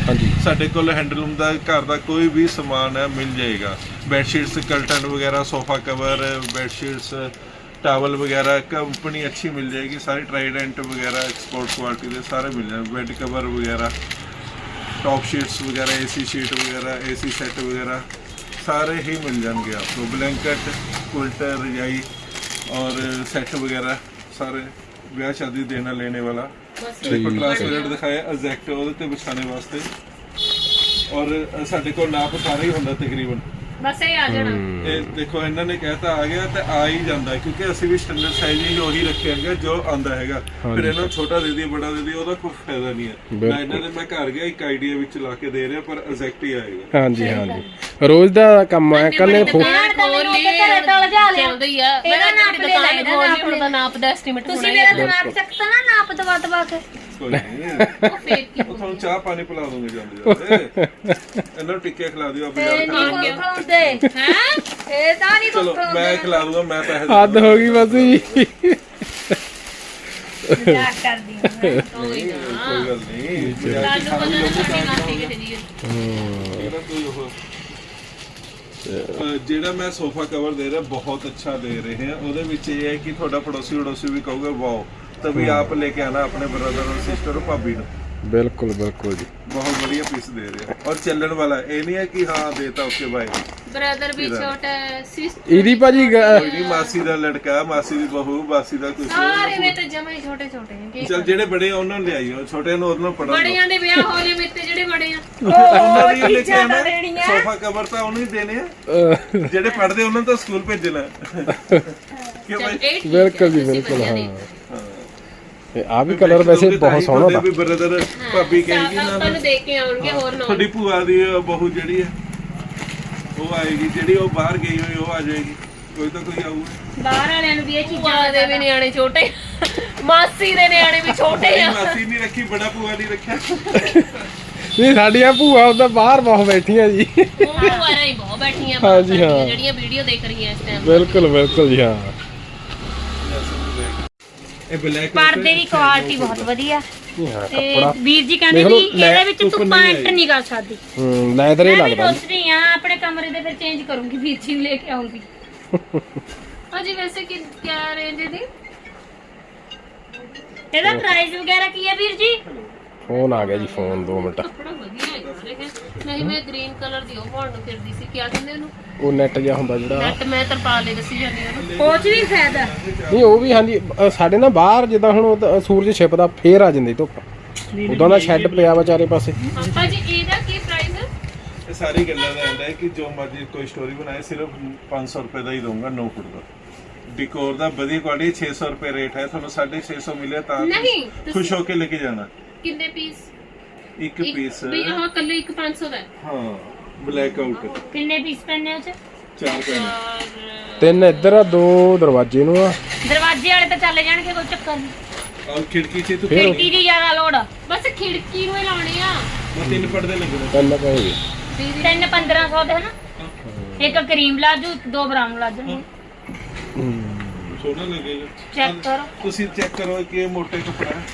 ਹਾਂਜੀ
ਸਾਡੇ ਕੋਲ ਹੈਂਡਲੂਮ ਦਾ ਘਰ ਦਾ ਕੋਈ ਵੀ ਸਮਾਨ ਹੈ ਮਿਲ ਜਾਏਗਾ। ਬੈੱਡ ਸ਼ੀਟਸ, ਕਰਟਨ ਵਗੈਰਾ, sofa cover, bed sheets, towel ਵਗੈरह कंपनी अच्छी मिल जाएगी सारी। ट्राइडेंट वगैरह एक्सपोर्ट क्वालिटी के सारे मिल जाएंगे। बेड कवर वगैरह, टॉप शीट्स वगैरह, एसी शीट वगैरह, एसी सेट वगैरह सारे ही मिल जाएंगे आपको। ब्लैंकेट, कुल्टर, रजाई और सेट वगैरह सारे ब्याह शादी देना लेने वाला। देखो ट्रांसपेरेंट दिखाया एग्जैक्ट ਉਹਦੇ ਤੇ ਵਿਛਾਣੇ ਵਾਸਤੇ। और ਸਾਡੇ ਕੋਲ ਨਾਪ ਸਾਰਾ ਹੀ ਹੁੰਦਾ ਤਕਰੀਬਨ।
ਬਸ ਇਹ ਆ ਜਾਣਾ।
ਇਹ ਦੇਖੋ ਇਹਨਾਂ ਨੇ ਕਹਿਤਾ ਆ ਗਿਆ ਤੇ ਆ ਹੀ ਜਾਂਦਾ ਹੈ, ਕਿਉਂਕਿ ਅਸੀਂ ਵੀ ਸਟੈਂਡਰਡ ਸਾਈਜ਼ ਹੀ ਉਹੀ ਰੱਖਿਆ ਹੈਗਾ ਜੋ ਆਂਦਾ ਹੈਗਾ। ਫਿਰ ਇਹਨਾਂ ਨੂੰ ਛੋਟਾ ਦੇ ਦਈਏ, ਬੜਾ ਦੇ ਦਈਏ, ਉਹਦਾ ਕੋਈ ਫਾਇਦਾ ਨਹੀਂ ਹੈ। ਮੈਂ ਇਹਨਾਂ ਦੇ ਮੈਂ ਘਰ ਗਿਆ ਇੱਕ ਆਈਡੀਆ ਵਿੱਚ ਲਾ ਕੇ ਦੇ ਰਿਹਾ, ਪਰ ਐਗਜ਼ੈਕਟ ਹੀ ਆਏਗਾ।
ਹਾਂਜੀ ਹਾਂਜੀ ਰੋਜ਼ ਦਾ ਕੰਮ ਹੈ ਕੱਲੇ
ਦੁਕਾਨ ਖੋਲੀ
ਘਰੇ ਤੋਂ ਲਜਾ ਲਿਆ।
ਚੱਲਦਾ ਹੀ ਆ।
ਇਹਦਾ
ਮੈਂ
ਨਾਪ ਲੈ
ਦੁਕਾਨ
ਲੈ, ਇਹਦਾ
ਖੋਲੀ,
ਨਾਪ
ਹੁਣ ਦਾ ਨਾਪ ਦਾ ਐਸਟੀਮੇਟ
ਤੁਸੀਂ ਮੇਰਾ ਦਿਮਾਗ ਚੱਕਤਾ ਨਾ ਨਾਪ ਦਵਾ ਦਵਾ ਕੇ।
ਕੋਈ ਨਹੀਂ,
ਉਹ ਫੇਰ ਕੀ
ਉਹ ਤੁਹਾਨੂੰ ਚਾਹ ਪਾਣੀ ਪਿਲਾ ਦੂੰਗੇ ਜਾਂਦੇ ਜਾਂਦੇ। ਇਹਨਾਂ ਨੂੰ ਟਿੱਕੇ ਖਿਲਾ ਦਿਓ
ਤੇ
ਬਾਜ਼ਾਰ
ਨਹੀਂ
ਖਾ
ਕੋਈ ਖਾਉਂਦੇ
ਹੈ।
ਇਹ ਤਾਂ ਨਹੀਂ
ਚਲੋ
ਕੋਈ
ਮੈਂ ਖਿਲਾ ਦੂੰਗਾ, ਮੈਂ ਪੈਸੇ
ਹੱਦ ਹੋ ਗਈ ਬਸ ਜੀ।
ਮਜ਼ਾਕ ਕਰਦੀ ਹਾਂ ਮੈਂ।
ਕੋਈ ਨਾ
ਕੋਈ ਗੱਲ ਨਹੀਂ। ਬਾਜ਼ਾਰ ਚ
ਸਾਨੂੰ
ਖਾ
ਪਤਾ
ਲਓ,
ਨਾ
ਜੋ
ਸਾਡੀ
ਚਾਹ
ਮਾਸੀ ਕਿਹੇ ਦੀ ਹੈ।
ਇਹਦਾ ਕੋਈ ਉਹ ਅਹ ਜਿਹੜਾ ਮੈਂ ਸੋਫਾ ਕਵਰ ਦੇ ਰਿਹਾ ਬਹੁਤ ਅੱਛਾ ਦੇ ਰਹੇ ਹਾਂ। ਉਹਦੇ ਵਿੱਚ ਇਹ ਹੈ ਕਿ ਤੁਹਾਡਾ ਪੜੋਸੀ ਪੜੋਸੀ ਵੀ ਕਹੋਗੇ ਵਾਓ, ਤभी आप लेके आना अपने ब्रदर और सिस्टर और भाभी ਨੂੰ।
ਬਿਲਕੁਲ ਬਿਲकुल ਜੀ
बहुत बढ़िया पीस दे रहे हैं और चलन वाला ये नहीं है कि हाँ देता ओके बाय।
ਬ੍ਰਦਰ ਵੀ ਛੋਟਾ ਹੈ, ਸਿਸਟਰ
ਇਹਦੀ ਭਾਜੀ ਗ-
कोई नहीं, मासी ਦਾ ਲੜਕਾ, ਮਾਸੀ ਦੀ ਬਹੂ, ਮਾਸੀ ਦਾ ਕੁਝ।
ਸਾਰੇ ਮੇ ਤਾਂ ਜਮਾ ਹੀ ਛੋਟੇ ਛੋਟੇ ਹੈ ਕੀ
ਚਲ ਜਿਹੜੇ ਬੜੇ ਆ ਉਹਨਾਂ ਨੂੰ ਲਿਆਈਓ, ਛੋਟਿਆਂ ਨੂੰ ਉਹਨਾਂ ਨੂੰ ਪੜਾ
ਬੜਿਆਂ ਦੇ ਵਿਆਹ ਹੋ ਜੇ ਮੇਰੇ ਤੇ ਜਿਹੜੇ ਬੜੇ ਆ।
ਉਹਨਾਂ ਦੀ ਲੈ ਕੇ
ਚੀਜ਼ਾਂ
ਆਣਾ।
ਤਾਂ ਦੇਣੀਆਂ।
ਸੋਫਾ ਕਵਰ ਤਾਂ ਉਹਨੂੰ ਹੀ ਦੇਣੇ ਆ,
ਅਹ,
ਜਿਹੜੇ ਪੜਦੇ ਉਹਨਾਂ ਨੂੰ ਤਾਂ ਸਕੂਲ ਭੇਜਣਾ। ਕਿਉਂ
ਚੱਲ
ਬਾਈ?
ਇਹ ਠੀਕ
ਬਿਲਕੁਲ ਜੀ
ਹੈ, ਤੁਸੀਂ
ਬਿਲਕੁਲ
ਵਧੀਆ
ਹਾਂ
ਦੇ।
ਤੇ ਆ ਵੀ ਕਲਰ ਵੈਸੇ ਬਹੁਤ ਸੋਹਣਾ ਦਾ
ਵੀ ਬ੍ਰਦਰ ਭਾਬੀ ਕਹੇਗੀ
ਤਾਂ
ਨਾ
ਤੁਹਾਨੂੰ ਦੇਖ ਕੇ ਆਉਣਗੇ ਹੋਰ ਨਾ।
ਤੁਹਾਡੀ ਭੂਆ ਦੀ ਬਹੂ ਜਿਹੜੀ ਹੈ ਉਹ ਆਏਗੀ, ਜਿਹੜੀ ਉਹ ਬਾਹਰ ਗਈ ਹੋਈ ਉਹ ਆ ਜਾਏਗੀ, ਕੋਈ ਤਾਂ ਕੋਈ ਆਊਗਾ।
ਬਾਹਰ ਵਾਲਿਆਂ ਨੂੰ ਵੀ ਇਹ ਚੀਜ਼ਾਂ
ਭੂਆ ਦੇ ਵੀ ਨਿਆਣੇ ਛੋਟੇ, ਮਾਸੀ ਦੇ ਨਿਆਣੇ ਵੀ ਛੋਟੇ ਆ।
ਮਾਸੀ ਨਹੀਂ ਰੱਖੀ, ਬੜਾ ਭੂਆ ਨਹੀਂ ਰੱਖਿਆ।
ਨਹੀਂ ਸਾਡੀਆਂ ਭੂਆ ਉਹਦਾ ਬਾਹਰ ਬਹੁਤ ਬੈਠੀਆਂ ਜੀ।
ਉਹ ਵਾਰਾ ਹੀ ਬਹੁਤ ਬੈਠੀਆਂ
ਹਾਂਜੀ, ਹਾਂ।
ਜਿਹੜੀਆਂ ਵੀਡੀਓ ਦੇਖ ਰਹੀਆਂ ਇਸ ਟਾਈਮ।
ਬਿਲਕੁਲ ਬਿਲਕੁਲ ਜੀ ਹਾਂ।
ਇਹ ਬਲੈਕ
ਪਰਦੇ ਦੀ ਕੁਆਲਿਟੀ ਬਹੁਤ ਵਧੀਆ
ਇਹ ਹਾਂ
ਤੇ
ਕੱਪੜਾ
ਵੀਰ ਜੀ ਕਹਿੰਦੇ
ਦੇਖ
ਵੀ
ਲਓ, ਲੈ-
ਇਹਦੇ ਵਿੱਚ
ਧੁੱਪ
ਤੂੰ
ਨਹੀਂ
ਪੈਂਟ
ਆਈ।
ਨਹੀਂ ਕਰ ਸਕਦੀ।
ਹੂੰ ਲੈਦਰ ਹੀ
ਮੈਂ ਵੀ
ਲੱਗਦਾ ਜੀ।
ਸੋਚ ਰਹੀ ਆ ਆਪਣੇ ਕਮਰੇ ਦੇ ਫਿਰ ਚੇਂਜ ਕਰੂੰਗੀ, ਵੀਰ ਜੀ ਨੂੰ ਲੈ ਕੇ ਆਉਂਗੀ।
ਹਾਂਜੀ ਵੈਸੇ ਕਿ ਕਿਆ ਰੇਂਜ ਦੀ?
ਇਹਦਾ ਪ੍ਰਾਈਸ ਵਗੈਰਾ ਕੀ ਹੈ ਵੀਰ ਜੀ?
ਫੋਨ ਆ ਗਿਆ ਜੀ, ਫੋਨ ਦੋ ਮਿੰਟ।
ਕੱਪੜਾ ਵਧੀਆ ਹੈ ਲੇਕਿਨ ਨਹੀਂ ਮੈਂ ਗ੍ਰੀਨ ਕਲਰ ਦੀ ਉਹ ਪਾਉਣ ਨੂੰ ਫਿਰਦੀ ਸੀ, ਕਿਆ ਕਹਿੰਦੇ ਉਹਨੂੰ?
ਉਹ ਨੈਟ ਜਿਹਾ ਹੁੰਦਾ ਜਿਹੜਾ
ਨੈਟ ਮੈਂ ਤਰਪਾਲੇ ਦੱਸੀ ਜਾਂਦੀ ਉਹਨੂੰ।
ਉਹ 'ਚ ਵੀ ਫਾਇਦਾ।
ਨਹੀਂ ਉਹ ਵੀ ਹਾਂਜੀ ਅ, ਸਾਡੇ ਨਾ ਬਾਹਰ ਜਿੱਦਾਂ ਹੁਣ ਉਹ ਤਾਂ ਸੂਰਜ ਛਿਪਦਾ ਫੇਰ ਆ ਜਾਂਦੀ ਧੁੱਪ, ਉਦਾਂ ਦਾ ਸ਼ੈੱਡ ਪਿਆ ਵਾ ਚਾਰੇ ਪਾਸੇ।
ਆਪਾਂ ਜੀ ਇਹਦਾ ਕੀ ਪ੍ਰਾਈਸ ਹੈ?
ਇਹ ਸਾਰੀ ਗੱਲਾਂ ਦਾ ਐਂਡ ਹੈ ਕਿ ਜੋ ਮਰਜ਼ੀ ਕੋਈ ਸਟੋਰੀ ਬਣਾਏ ਸਿਰਫ ਪੰਜ ਸੌ ਰੁਪਏ ਦਾ ਹੀ ਦਊਂਗਾ, ਨੌ ਫੁੱਟ ਦਾ ਡਿਕੋਰ ਦਾ ਵਧੀਆ ਕੁਆਲਿਟੀ। ਛੇ ਸੌ ਰੁਪਏ ਰੇਟ ਹੈ, ਤੁਹਾਨੂੰ ਸਾਢੇ ਛੇ ਸੌ ਮਿਲਿਆ ਤਾਂ
ਨਹੀਂ,
ਤੁਸੀਂ ਖੁਸ਼ ਹੋ ਕੇ ਲੈ ਕੇ ਜਾਣਾ।
ਕਿੰਨੇ ਪੀਸ?
ਇੱਕ ਪੀਸ
ਵੀ ਹਾਂ ਕੱਲੇ ਇੱਕ ਪੰਜ ਸੌ ਦਾ ਹੈ।
ਹਾਂ ਬਲੈਕ ਆਊਟ
ਕਿੰਨੇ ਪੀਸ ਪੈਣੇ ਉਹ 'ਚ?
ਚਾਰ ਪੈਣੇ।
ਔਰ
ਤਿੰਨ ਇੱਧਰ ਆ, ਦੋ ਦਰਵਾਜ਼ੇ ਨੂੰ ਆ।
ਦਰਵਾਜ਼ੇ ਵਾਲੇ ਤਾਂ ਚੱਲ ਜਾਣਗੇ, ਕੋਈ ਚੱਕਰ ਨਹੀਂ।
ਔਰ ਖਿੜਕੀ 'ਚ ਤੂੰ
ਫਿਰ
ਖਿੜਕੀ ਦੀ ਜ਼ਿਆਦਾ ਲੋੜ ਆ।
ਬਸ ਖਿੜਕੀ ਨੂੰ ਹੀ ਲਾਉਣੇ ਆ।
ਮੈਂ ਤਿੰਨ ਪਰਦੇ ਲੱਗਣੇ।
ਤਿੰਨ ਪਏਗੇ।
ਦੀਦੀ
ਤਿੰਨ ਪੰਦਰਾਂ ਸੌ ਦੇ ਹਨਾ। ਇੱਕ ਕਰੀਮ ਲਾਜੂ, ਦੋ ਬਰਾਊਨ ਲਾਜੂ।
ਸੋਹਣਾ ਲੱਗੇਗਾ।
ਚੈੱਕ ਕਰੋ।
ਤੁਸੀਂ ਚੈੱਕ ਕਰੋ ਕਿ ਇਹ ਮੋਟੇ ਕੱਪੜਾ ਹੈ।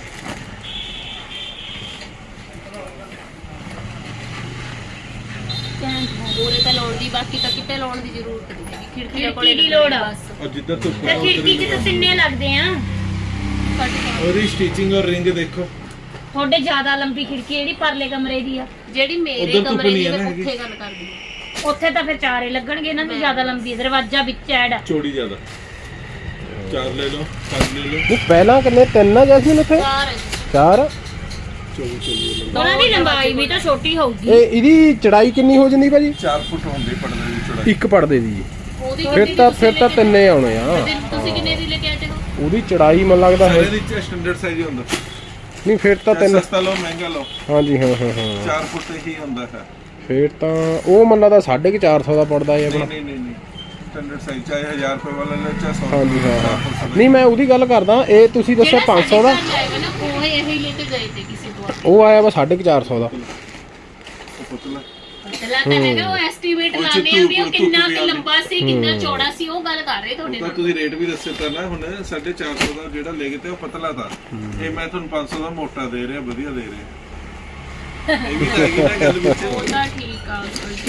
ਪੂਰੇ ਤਾਂ ਲਾਉਣ ਦੀ, ਬਾਕੀ ਤਾਂ ਕਿਤੇ ਲਾਉਣ ਦੀ ਜ਼ਰੂਰਤ ਨਹੀਂ ਹੈਗੀ। ਖਿੜਕੀ ਦੇ
ਖਿੜਕੀ
ਕੋਲੇ
ਦੀ ਲੋੜ ਆ।
ਬਸ।
ਔਰ ਜਿੱਦਾਂ ਧੁੱਪ
ਤੇ
ਆ
ਖਿੜਕੀ 'ਚ ਤਾਂ ਸਿੰਨੇ ਲੱਗਦੇ ਆ।
ਉਹਦੀ ਸਟਿਚਿੰਗ ਔਰ ਰਿੰਗ ਦੇਖੋ।
ਤੁਹਾਡੇ ਜ਼ਿਆਦਾ ਲੰਬੀ ਖਿੜਕੀ ਜਿਹੜੀ ਪਰਲੇ ਕਮਰੇ ਦੀ ਆ,
ਜਿਹੜੀ ਮੇਰੇ
ਉੱਧਰ ਧੁੱਪ
ਕਮਰੇ
ਨਹੀਂ
ਦੀ
ਹੈ ਨਾ
ਮੈਂ
ਹੈਗੀ।
ਉੱਥੇ ਗੱਲ ਕਰਦੀ ਹਾਂ।
ਉੱਥੇ ਤਾਂ ਫਿਰ ਚਾਰੇ ਲੱਗਣਗੇ। ਇਹਨਾਂ ਦੀ ਜ਼ਿਆਦਾ ਲੰਬੀ ਆ, ਦਰਵਾਜ਼ਾ ਵਿੱਚ ਐਡ ਆ।
ਚੌੜੀ ਜ਼ਿਆਦਾ। ਚਾਰ ਲੈ ਲਓ, ਪੰਜ ਲੈ ਲਓ।
ਨਹੀਂ ਪਹਿਲਾਂ ਕਿੰਨੇ ਤਿੰਨ ਆ ਜੈਸਮੀਨ ਉੱਥੇ?
ਚਾਰ ਹੈ।
ਚਾਰ।
ਚੌਵੀ ਚੌਵੀ ਲੈ ਲਓ।
ਉਹਨਾਂ ਦੀ ਲੰਬਾਈ ਵੀ ਤਾਂ ਛੋਟੀ ਹੋਊਗੀ।
ਇਹ ਇਹਦੀ ਚੜਾਈ ਕਿੰਨੀ ਹੋ ਜਾਂਦੀ ਭਾਜੀ?
ਚਾਰ ਫੁੱਟ ਹੁੰਦੀ ਪੜਦੇ ਦੀ ਚੌੜਾਈ।
ਇੱਕ ਪੜਦੇ ਦੀ।
ਉਹਦੀ
ਫਿਰ
ਕਿੰਨੀ
ਤਾਂ
ਤੁਸੀਂ
ਫਿਰ ਤਾਂ
ਲੈ ਕੇ-
ਤਿੰਨੇ ਆਉਣੇ ਆ।
ਤੇ ਤੁਸੀਂ ਕਿੰਨੇ ਦੀ ਲੈ ਕੇ ਆਏ ਹੋ?
ਉਹਦੀ ਚੜਾਈ ਮੈਨੂੰ ਲੱਗਦਾ ਹੈ
ਸਾਰੇ ਦੀ ਸਟੈਂਡਰਡ ਸਾਈਜ਼ ਹੀ ਹੁੰਦਾ।
ਨਹੀਂ ਫਿਰ ਤਾਂ
ਚਾਹੇ
ਤਿੰਨ।
ਸਸਤਾ ਲਓ ਮਹਿੰਗਾ ਲਓ,
ਹਾਂਜੀ ਹਾਂ ਹਾਂ ਹਾਂ
ਚਾਰ ਫੁੱਟ ਹੀ ਹੁੰਦਾ ਹੈ।
ਫਿਰ ਤਾਂ ਉਹ ਮੈਨੂੰ ਲੱਗਦਾ ਸਾਢੇ ਕੁ ਚਾਰ ਸੌ ਦਾ ਪੜਦਾ ਹੈ ਆਪਣਾ।
ਨਹੀਂ ਨਹੀਂ ਨਹੀਂ ਸਟੈਂਡਰਡ ਸਾਈਜ਼ ਚਾਹੇ ਹਜ਼ਾਰ ਰੁਪਏ ਵਾਲਾ ਲੈ ਚਾਹੇ ਸੌ
ਹਾਂਜੀ ਹਾਂ
ਚਾਰ
ਹਾਂ
ਫੁੱਟ ਦਾ।
ਨਹੀਂ ਮੈਂ ਉਹਦੀ ਗੱਲ ਕਰਦਾ। ਇਹ ਤੁਸੀਂ ਦੱਸਿਆ
ਜਿਹੜਾ
ਪੰਜ ਸੌ ਦਾ,
ਸਾਡੇ ਘਰ ਆਏਗਾ ਨਾ, ਉਹ ਇਹੀ ਲੈ ਕੇ ਗਏ ਤੇ ਕਿਸੇ ਤੋਂ।
ਉਹ ਆਇਆ ਵਾ ਸਾਢੇ ਕੁ ਚਾਰ ਸੌ ਦਾ।
ਉਹ ਪੁੱਤਲਾ
ਪਤਲਾ ਤਾਂ ਹੈਗਾ, ਉਹ ਐਸਟੀਮੇਟ
ਉਹ ਚ
ਲਾਣੇ ਆ ਵੀ ਉਹ
ਧੂਪ-
ਕਿੰਨਾ
ਧੂਪ
ਕੁ
ਵੀ ਆਉਂਦੀ।
ਲੰਬਾ ਸੀ, ਕਿੰਨਾ ਚੌੜਾ ਸੀ, ਉਹ ਗੱਲ ਕਰ ਰਹੇ ਤੁਹਾਡੇ
ਤਾਂ
ਨਾਲ।
ਤੁਸੀਂ ਰੇਟ ਵੀ ਦੱਸੇ ਤਾਂ ਨਾ ਹੁਣ ਸਾਢੇ ਚਾਰ ਸੌ ਦਾ ਜਿਹੜਾ ਲੈ ਗਏ ਤੇ ਉਹ ਪਤਲਾ ਤਾਂ। ਇਹ ਮੈਂ ਤੁਹਾਨੂੰ ਪੰਜ ਸੌ ਦਾ ਮੋਟਾ ਦੇ ਰਿਹਾ, ਵਧੀਆ ਦੇ ਰਿਹਾ। ਇਹ ਵੀ ਤਾਂ ਹੈਗੀ ਨਾ ਗੱਲ ਵਿੱਚ।
ਉਹਦਾ ਠੀਕ ਆ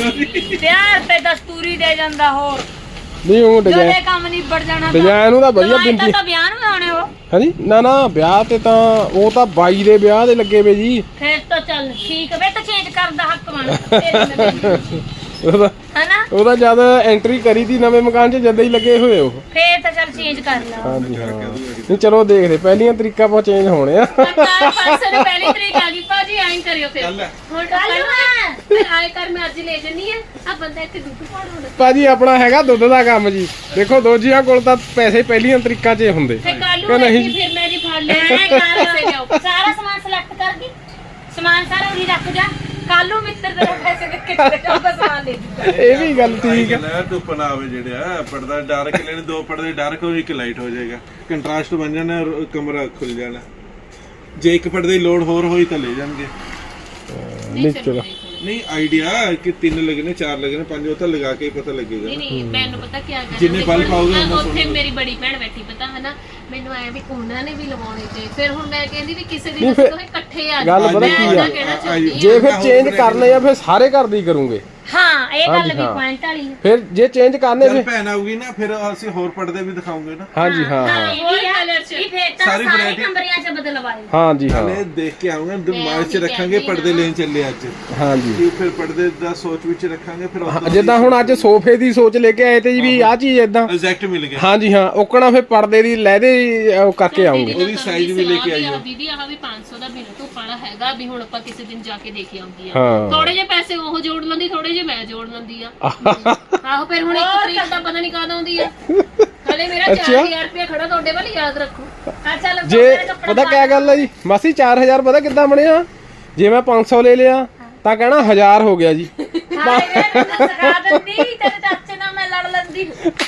ਪਿਆਰ ਤੇ ਦਸਤੂਰੀ ਦੇ ਜਾਂਦਾ ਹੋਰ
ਨਹੀਂ ਉਹ
ਜਦੋਂ
ਡਿਜ਼ਾਈਨ
ਇਹ ਕੰਮ ਨਿਬੜ ਜਾਣਾ
ਡਿਜ਼ਾਈਨ ਉਹਦਾ ਵਧੀਆ
ਦਵਾਈ ਤਾਂ
ਬਿੰਦੀ
ਤਾਂ ਵਿਆਹ ਨੂੰ ਆਉਣੇ ਉਹ
ਹਾਂਜੀ ਨਾ ਨਾ ਵਿਆਹ ਤੇ ਤਾਂ ਉਹ ਤਾਂ ਬਾਈ ਦੇ ਵਿਆਹ ਦੇ ਲੱਗੇ ਵੇ ਜੀ
ਫੇਰ ਤਾਂ ਚੱਲ ਠੀਕ ਵੇ ਤਾਂ ਚੇਂਜ ਕਰਨ ਦਾ ਹੱਕ ਬਣ ਤੇਰੇ ਨਵੇਂ
ਉਹਦਾ
ਹਨਾ
ਉਹਦਾ ਜਦ ਐਂਟਰੀ ਕਰੀ ਤੀ ਨਵੇਂ ਮਕਾਨ 'ਚ ਜਦ ਹੀ ਲੱਗੇ ਹੋਏ ਉਹ
ਫੇਰ ਤਾਂ ਚੱਲ ਚੇਂਜ ਕਰ ਲਾ
ਹਾਂਜੀ ਹਾਂ ਨਹੀਂ ਚਲੋ ਦੇਖਦੇ ਪਹਿਲੀਆਂ ਤਰੀਕਾਂ ਪਾ ਚੇਂਜ ਹੋਣੇ ਆ
ਚਾਰ ਪੰਜ ਸੌ ਦੀ ਪਹਿਲੀ ਤਰੀਕ ਆ ਗਈ ਭਾਜੀ ਐਂ ਕਰਿਓ ਫਿਰ
ਚੱਲ
ਹੁਣ ਕੱਲ ਮੈਂ ਫਿਰ ਆਏ ਕਰ ਮੈਂ ਅੱਜ ਲੈ ਜੰਨੀ ਆ ਆ ਬੰਦਾ ਇੱਥੇ ਦੁੱਧ ਪਾੜਾਉਣਾ
ਭਾਜੀ ਆਪਣਾ ਹੈਗਾ ਦੁੱਧ ਦਾ ਕੰਮ ਜੀ ਦੇਖੋ ਦੋਜੀਆਂ ਕੋਲ ਤਾਂ ਪੈਸੇ ਪਹਿਲੀਆਂ ਤਰੀਕਾਂ 'ਚ ਹੀ ਹੁੰਦੇ
ਤੇ ਕੱਲ
ਕਿ
ਨੂੰ
ਨਹੀਂ?
ਆਈ ਫਿਰ ਮੈਂ ਜੀ ਫੜ
ਮੈਂ
ਲਿਆ
ਕਰ ਸਾਰਾ ਸਮਾਨ ਸਿਲੈਕਟ ਕਰ ਗਈ ਸਮਾਨ ਸਾਰਾ ਉਰੀ ਰੱਖ ਜਾ ਕੱਲੂ ਮਿੱਤਰ ਤੇਰਾ ਪੈਸੇ ਦੇ ਕੇ ਤੇਰੇ ਜਾਊਗਾ ਸਮਾਨ ਲੈ ਜੂਗਾ
ਇਹ ਵੀ ਗੱਲ ਠੀਕ ਹੈ
ਹੈ ਧੁੱਪ ਨਾ ਆਵੇ ਜਿਹੜਾ ਪਰਦਾ ਡਾਰਕ ਲੈਣੇ ਦੋ ਪਰਦੇ ਡਾਰਕ ਹੋ ਇੱਕ ਲਾਈਟ ਹੋ ਜਾਏਗਾ ਕੰਟਰਾਸਟ ਬਣ ਜਾਣਾ ਔਰ ਕਮਰਾ ਖੁੱਲ ਜਾਣਾ ਜੇ ਇੱਕ ਪਰਦੇ ਦੀ ਲੋੜ ਹੋਰ ਹੋਈ ਤਾਂ ਲੈ ਜਾਣਗੇ
ਨਹੀਂ ਚਲੋ
ਨਹੀਂ ਆਈਡੀਆ ਕਿ ਤਿੰਨ ਲੱਗਣੇ ਚਾਰ ਲੱਗਣੇ ਪੰਜ ਉਹ ਤਾਂ ਲਗਾ ਕੇ ਹੀ ਪਤਾ ਲੱਗੇਗਾ
ਨਹੀਂ ਨਹੀਂ ਮੈਨੂੰ ਪਤਾ ਕੀ ਕਰਨਾ
ਜਿੰਨੇ ਬਲ ਪਾਓਗੇ ਉਹਨਾਂ
ਉੱਥੇ
ਸੋਹਣਾ
ਮੇਰੀ ਬੜੀ ਭੈਣ ਬੈਠੀ ਪਤਾ ਹਨਾ ਮੈਨੂੰ ਆਇਆ ਵੀ ਉਹਨਾਂ ਨੇ ਵੀ ਲਵਾਉਣੇ ਤੇ ਫਿਰ ਹੁਣ ਮੈਂ ਕਹਿੰਦੀ ਵੀ ਕਿਸੇ
ਨਹੀਂ
ਦੀ
ਫਿਰ
ਦੋਵੇਂ ਇਕੱਠੇ ਆ
ਗੱਲ
ਜਾਣ।
ਪਤਾ
ਮੈਂ
ਕੀ
ਉਹਦਾ
ਆ?
ਕਹਿਣਾ ਚਾਹੁੰਦੀ ਆ।
ਜੇ ਫਿਰ ਚੇਂਜ ਕਰਨੇ ਆ ਫਿਰ ਸਾਰੇ ਘਰ ਦੀ ਕਰੂੰਗੇ
ਹਾਂ ਇਹ ਗੱਲ
ਹਾਂਜੀ,
ਵੀ
ਹਾਂ।
ਪੁਆਇੰਟ ਵਾਲੀ ਹੈ
ਫਿਰ ਜੇ ਚੇਂਜ ਕਰਨੇ
ਜਦ
ਫਿਰ
ਭੈਣ ਆਊਗੀ ਨਾ ਫਿਰ ਅਸੀਂ ਹੋਰ ਪਰਦੇ ਵੀ ਦਿਖਾਉਂਗੇ ਨਾ
ਹਾਂਜੀ ਹਾਂ ਹਾਂ
ਇਹ ਵੀ ਆ
colour ਚ।
ਇਹ ਫੇਰ ਤਾਂ
ਸਾਰੀ
ਸਾਰੇ
variety-
ਕਮਰਿਆਂ 'ਚ ਬਦਲਵਾਏ
ਹਾਂਜੀ ਹਾਂ
ਨਾਲੇ ਦੇਖ ਕੇ ਆਉਂਗੇ ਦਿਮਾਗ 'ਚ
ਉਹੀ
ਰੱਖਾਂਗੇ
ਕਹਿੰਦੀ
ਪਰਦੇ
ਨਾ।
ਲੈਣ ਚੱਲੇ ਅੱਜ
ਹਾਂਜੀ
ਕਿ ਫਿਰ ਪਰਦੇ ਦਾ ਸੋਚ ਵਿੱਚ ਰੱਖਾਂਗੇ ਫਿਰ
ਹਾਂ, ਜਿੱਦਾਂ ਹੁਣ ਅੱਜ ਸੋਫੇ ਦੀ ਸੋਚ ਲੈ ਕੇ ਆਏ ਤੇ ਜੀ ਵੀ ਆਹ ਚੀਜ਼ ਇਦਾਂ
ਐਗਜ਼ੈਕਟ ਮਿਲ ਗਿਆ
ਹਾਂਜੀ ਹਾਂ ਓਕਣਾ ਫਿਰ ਪਰਦੇ ਦੀ ਲਹਿਦੇ ਉਹ ਕਰਕੇ ਆਉਂਗੇ
ਉਹਦੀ size ਵੀ ਲੈ ਕੇ ਆਈਓ।
ਦੀਦੀ ਆਹ ਵੀ ਪੰਜ ਸੌ ਦਾ ਬਿੱਲ ਤੋਂ ਪਾਣਾ ਹੈਗਾ ਵੀ ਹੁਣ ਆਪਾਂ ਕਿਸੇ ਦਿਨ ਜਾ ਕੇ ਦੇਖ ਆਉਂਦੀ ਆ
ਹਾਂ।
ਥੋੜੇ ਜਿਹੇ ਪੈਸੇ ਉਹ ਜੋੜ ਲੈਂਦੀ ਥੋੜੇ ਜਿਹੇ ਮੈਂ ਜੋੜ ਲੈਂਦੀ ਆ ਆਹੋ ਫਿਰ ਹੁਣ ਇੱਕ ਤਰੀਕ ਦਾ ਪਤਾ ਨਹੀਂ ਕਦ ਆਉਂਦੀ ਆ ਹਲੇ ਮੇਰਾ
ਅੱਛਾ।
ਚਾਰ ਹਜ਼ਾਰ ਰੁਪਇਆ ਖੜਾ ਤੁਹਾਡੇ ਵੱਲ ਯਾਦ ਰੱਖੋ
ਆ ਚੱਲ
ਜੇ ਪਤਾ ਕਿਆ ਗੱਲ ਹੈ ਜੀ ਮਾਸੀ ਚਾਰ ਹਜ਼ਾਰ ਪਤਾ ਕਿੱਦਾਂ ਬਣਿਆ ਜੇ ਮੈਂ ਪੰਜ ਸੌ ਲੈ ਲਿਆ ਤਾਂ ਕਹਿਣਾ ਹਜ਼ਾਰ ਹੋ ਗਿਆ ਜੀ
ਹਾਂ ਇਹ ਸਿਖਾ ਦਿੰਦੀ ਤੇਰੇ ਚਾਚੇ ਨਾਲ ਮੈਂ ਲੜ ਲੈਂਦੀ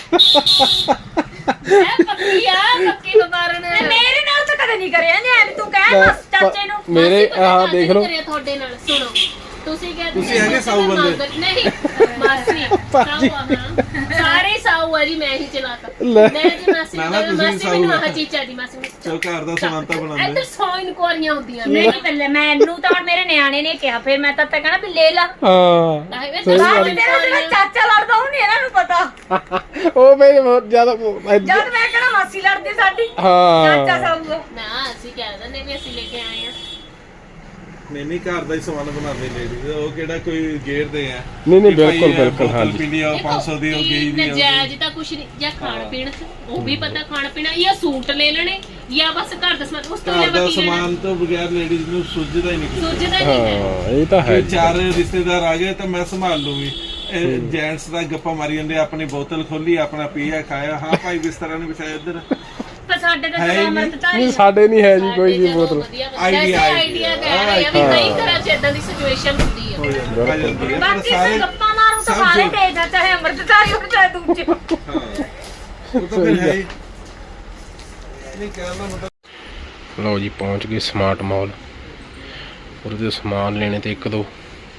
ਐ ਪੱਕੀ ਆ ਪੱਕੀ ਬਮਾਰਨ
ਤੇ ਮੇਰੇ ਨਾਲ ਤਾਂ ਕਦੇ ਨਹੀਂ ਕਰਿਆ ਨੇ ਐਵੇਂ ਤੂੰ ਕਹਿ ਬਸ ਚਾਚੇ ਨੂੰ
ਮੇਰੇ ਆਹ ਦੇਖ ਲਓ
ਤੁਹਾਡੇ ਨਾਲ ਸੁਣੋ ਤੁਸੀਂ ਕਹਿੰਦੇ
ਤੁਸੀਂ ਹੈਗੇ ਸਾਊ ਬੰਦੇ।
ਨਹੀਂ ਮਾਸੀ
ਭਾਜੀ।
ਸਾਊ ਆ, ਹਾਂ। ਸਾਰੇ ਸਾਊ ਆ ਜੀ ਮੈਂ ਹੀ ਚਲਾਤਾ
ਲੈ।
ਮੈਂ ਜੀ ਮਾਸੀ
ਨਾ, ਨਾ, ਤੁਸੀਂ
ਮਾਸੀ
ਸਾਊ
ਮੈਨੂੰ
ਆ।
ਆਹ ਚੀਜ਼ ਚਾਹੀਦੀ ਮਾਸੀ ਨੂੰ।
ਚਲ ਘਰ ਦਾ ਸਮਾਨ ਤਾਂ ਬਣਾਉਂਦੇ
ਇੱਧਰ ਸੌ ਇਨਕੁਆਰੀਆਂ ਹੁੰਦੀਆਂ ਨੇ
ਨਹੀਂ ਪਹਿਲੇ ਮੈਨੂੰ ਤਾਂ ਹੁਣ ਮੇਰੇ ਨਿਆਣੇ ਨੇ ਕਿਹਾ ਫਿਰ ਮੈਂ ਤਾਂ ਤਾਂ ਕਹਿਣਾ ਵੀ ਲੈ ਲਾ
ਹਾਂ
ਆਹੇ ਵੇ
ਸਹੀ
ਦਸ
ਗੱਲ।
ਤੇਰਾ ਜਿਹੜਾ ਚਾਚਾ ਲੜਦਾ ਉਹ ਨਹੀਂ ਇਹਨਾਂ ਨੂੰ ਪਤਾ
ਉਹ ਮੇਰੇ ਬਹੁਤ ਜ਼ਿਆਦਾ ਉਹ
ਜਦ
ਏਦਾਂ-
ਮੈਂ ਕਹਿਣਾ ਮਾਸੀ ਲੜਦੀ ਸਾਡੀ
ਹਾਂ
ਚਾਚਾ ਸਾਊਗਾ
ਨਾ ਅਸੀਂ ਕਹਿ ਦਿੰਦੇ ਵੀ ਅਸੀਂ ਲੈ ਕੇ ਆਏ ਆ
ਨਹੀਂ ਨਹੀਂ ਘਰ ਦਾ ਹੀ ਸਮਾਨ ਬਣਾਉਂਦੇ ਲੇਡੀਜ਼ ਉਹ ਕਿਹੜਾ ਕੋਈ ਗੇਰਦੇ ਆ
ਨਹੀਂ, ਨਹੀਂ,
ਕਿ ਭਾਈ
ਬਿਲਕੁਲ,
ਇਹ
ਬਿਲਕੁਲ,
ਬੋਤਲ
ਹਾਂਜੀ।
ਪੀਣੀ ਆ ਉਹ ਪੰਜ ਸੌ ਦੀ ਉਹ ਗਈ ਦੀ ਆ
ਨਜਾਇਜ਼ ਤਾਂ ਕੁਛ ਨਹੀਂ ਜਾਂ ਖਾਣ ਪੀਣ ਚ ਉਹ ਵੀ ਪਤਾ ਖਾਣ ਪੀਣਾ ਜਾਂ ਸੂਟ ਲੈ ਲੈਣੇ ਜਾਂ ਬਸ ਘਰ ਦਾ ਸਮਾਨ ਉਸ ਤੋਂ
ਘਰ
ਇਲਾਵਾ
ਦਾ
ਕੀ ਲੈਣਾ
ਸਮਾਨ ਤੋਂ ਬਗੈਰ ਲੇਡੀਜ਼ ਨੂੰ ਸੁੱਝਦਾ ਹੀ ਨਹੀਂ ਕੁਛ।
ਸੋਚਦਾ ਨਹੀਂ ਹੈ
ਹਾਂ ਇਹ ਤਾਂ ਹੈ
ਜੇ ਚਾਰ ਰਿਸ਼ਤੇਦਾਰ ਆ ਗਏ ਤਾਂ ਮੈਂ ਸੰਭਾਲ ਲੂੰਗੀ ਜੈਂਟਸ ਦਾ ਗੱਪਾਂ ਮਾਰੀ ਜਾਂਦੇ ਆਪਣੀ ਬੋਤਲ ਖੋਲੀ ਆਪਣਾ ਪੀਆ ਖਾਇਆ ਹਾਂ ਭਾਈ ਬਿਸਤਰਾ ਨੇ ਵਿਛਾਇਆ ਇੱਧਰ
ਪਰ ਸਾਡੇ ਤਾਂ
ਹੈ ਹੀ
ਜਦੋਂ
ਨਹੀਂ।
ਅਮਰਤਧਾਰੀ
ਨਹੀਂ ਸਾਡੇ ਨਹੀਂ ਹੈ ਜੀ ਕੋਈ ਵੀ ਬੋਤਲ
Idea,
ਆਈਡੀਆ
idea।
ਕਹਿ ਰਹੇ ਆ ਵੀ ਕਈ ਘਰਾਂ ਚ ਇਦਾਂ ਦੀ ਸਿਚੁਏਸ਼ਨ ਹੁੰਦੀ ਆ
ਹੋ ਜਾਂਦਾ ਆ ਜਾਂਦੀ ਹੈ ਪਰ
ਬਾਕੀ
ਸਾਰੇ
ਸੇ ਗੱਪਾਂ ਮਾਰੂ ਤਾਂ
ਸਭ
ਸਾਰੇ
ਜੋੜ-
ਦੇ ਦਾ ਚਾਹੇ ਅਮਰਤਧਾਰੀ ਹੋਣ ਚਾਹੇ ਦੂਜੇ
ਹਾਂ ਉਹ ਤਾਂ ਫਿਰ ਹੈ ਹੀ ਨਹੀਂ ਕਹਿਣ ਦਾ ਮਤਲਬ
ਲਓ ਜੀ ਪਹੁੰਚ ਗਏ ਸਮਾਰਟ ਮਾਲ ਉਹਦੇ ਸਮਾਨ ਲੈਣੇ ਤੇ ਇੱਕ ਦੋ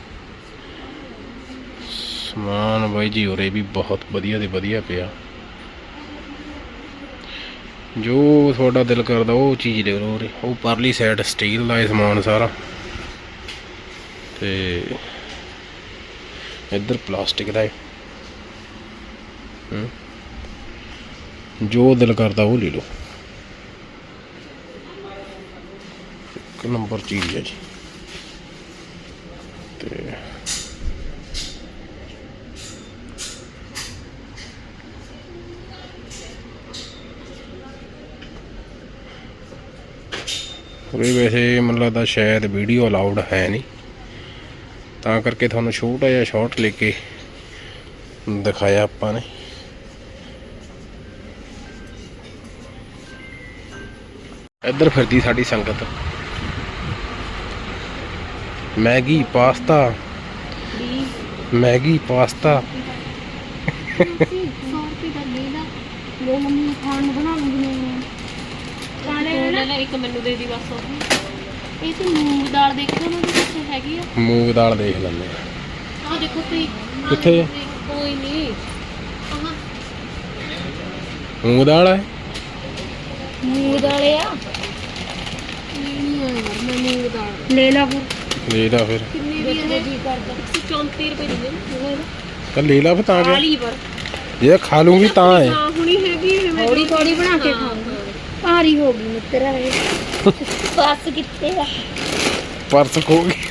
ਸਮਾਨ ਬਾਈ ਜੀ ਉਰੇ ਵੀ ਬਹੁਤ ਵਧੀਆ ਤੇ ਵਧੀਆ ਪਿਆ ਜੋ ਤੁਹਾਡਾ ਦਿਲ ਕਰਦਾ ਉਹ ਚੀਜ਼ ਲੈ ਲਓ ਉਰੇ ਉਹ ਪਰਲੀ ਸਾਈਡ ਸਟੀਲ ਦਾ ਇਹ ਸਮਾਨ ਸਾਰਾ ਤੇ ਇੱਧਰ ਪਲਾਸਟਿਕ ਦਾ ਹੈ ਹੂੰ। ਜੋ ਦਿਲ ਕਰਦਾ ਉਹ ਲੈ ਲਓ ਇੱਕ ਨੰਬਰ ਚੀਜ਼ ਹੈ ਜੀ ਤੇ ਉਰੇ ਵੈਸੇ ਮੈਨੂੰ ਲੱਗਦਾ ਸ਼ਾਇਦ ਵੀਡੀਓ ਅਲਾਉਡ ਹੈ ਨਹੀਂ ਤਾਂ ਕਰਕੇ ਤੁਹਾਨੂੰ ਛੋਟਾ ਜਿਹਾ ਸ਼ਾਰਟ ਲੈ ਕੇ ਦਿਖਾਇਆ ਆਪਾਂ ਨੇ ਇੱਧਰ ਫਿਰਦੀ ਸਾਡੀ ਸੰਗਤ ਮੈਗੀ ਪਾਸਤਾ ਮੈਗੀ ਪਾਸਤਾ
ਸੌ ਰੁਪਏ ਦਾ ਲੈ ਲਾ ਲੋ ਮੰਮੀ ਖਾਣ ਨੂੰ ਬਣਾ ਲੂੰਗੀ ਮੈਂ ਕਾਲੇ ਲੈ ਲੈ ਇੱਕ ਮੈਨੂੰ ਦੇ ਦੀ ਬਸ ਉਹ ਇਹ ਤੇ ਮੂੰਗ ਦਾਲ ਦੇਖੋ ਨਾ ਕਿੱਥੇ ਹੈਗੀ ਆ
ਮੂੰਗ ਦਾਲ ਦੇਖ ਲੈਂਦੇ ਹਾਂ
ਆਹ ਦੇਖੋ ਤੇ
ਕਿੱਥੇ?
ਕੋਈ ਨਹੀਂ ਆਹ
ਮੂੰਗ ਦਾਲ ਹੈ
ਮੂੰਗ ਦਾਲੇ ਆ ਨਹੀਂ ਆ ਯਾਰ ਮੈਂ ਮੂੰਗ ਦਾਲ
ਲੈ ਲਾ ਫਿਰ
ਲੈ ਲਾ ਫਿਰ
ਕਿੰਨੀ ਦੀ ਇਹ ਜੀ ਕਰਦਾ ਇੱਕ ਸੌ ਚੌਂਤੀ ਰੁਪਏ ਦੀ ਦੇ
ਤਾਂ ਲੈ ਲਾ ਫਿਰ ਤਾਂ ਗਿਆ
ਖਾਲੀ ਪਰ
ਜੇ ਖਾ ਲੂੰਗੀ ਤਾਂ ਹੈ
ਨਾ ਹੁਣੀ ਹੈਗੀ ਇਹ ਮੈਂ
ਥੋੜੀ ਥੋੜੀ ਬਣਾ ਕੇ ਖਾਉਂਗੀ ਭਾਰੀ ਹੋ ਗਈ ਮਿੱਤਰਾ ਇਹ ਬਸ ਕਿੱਥੇ ਆ
ਪਰਸ ਖੋ ਗਈ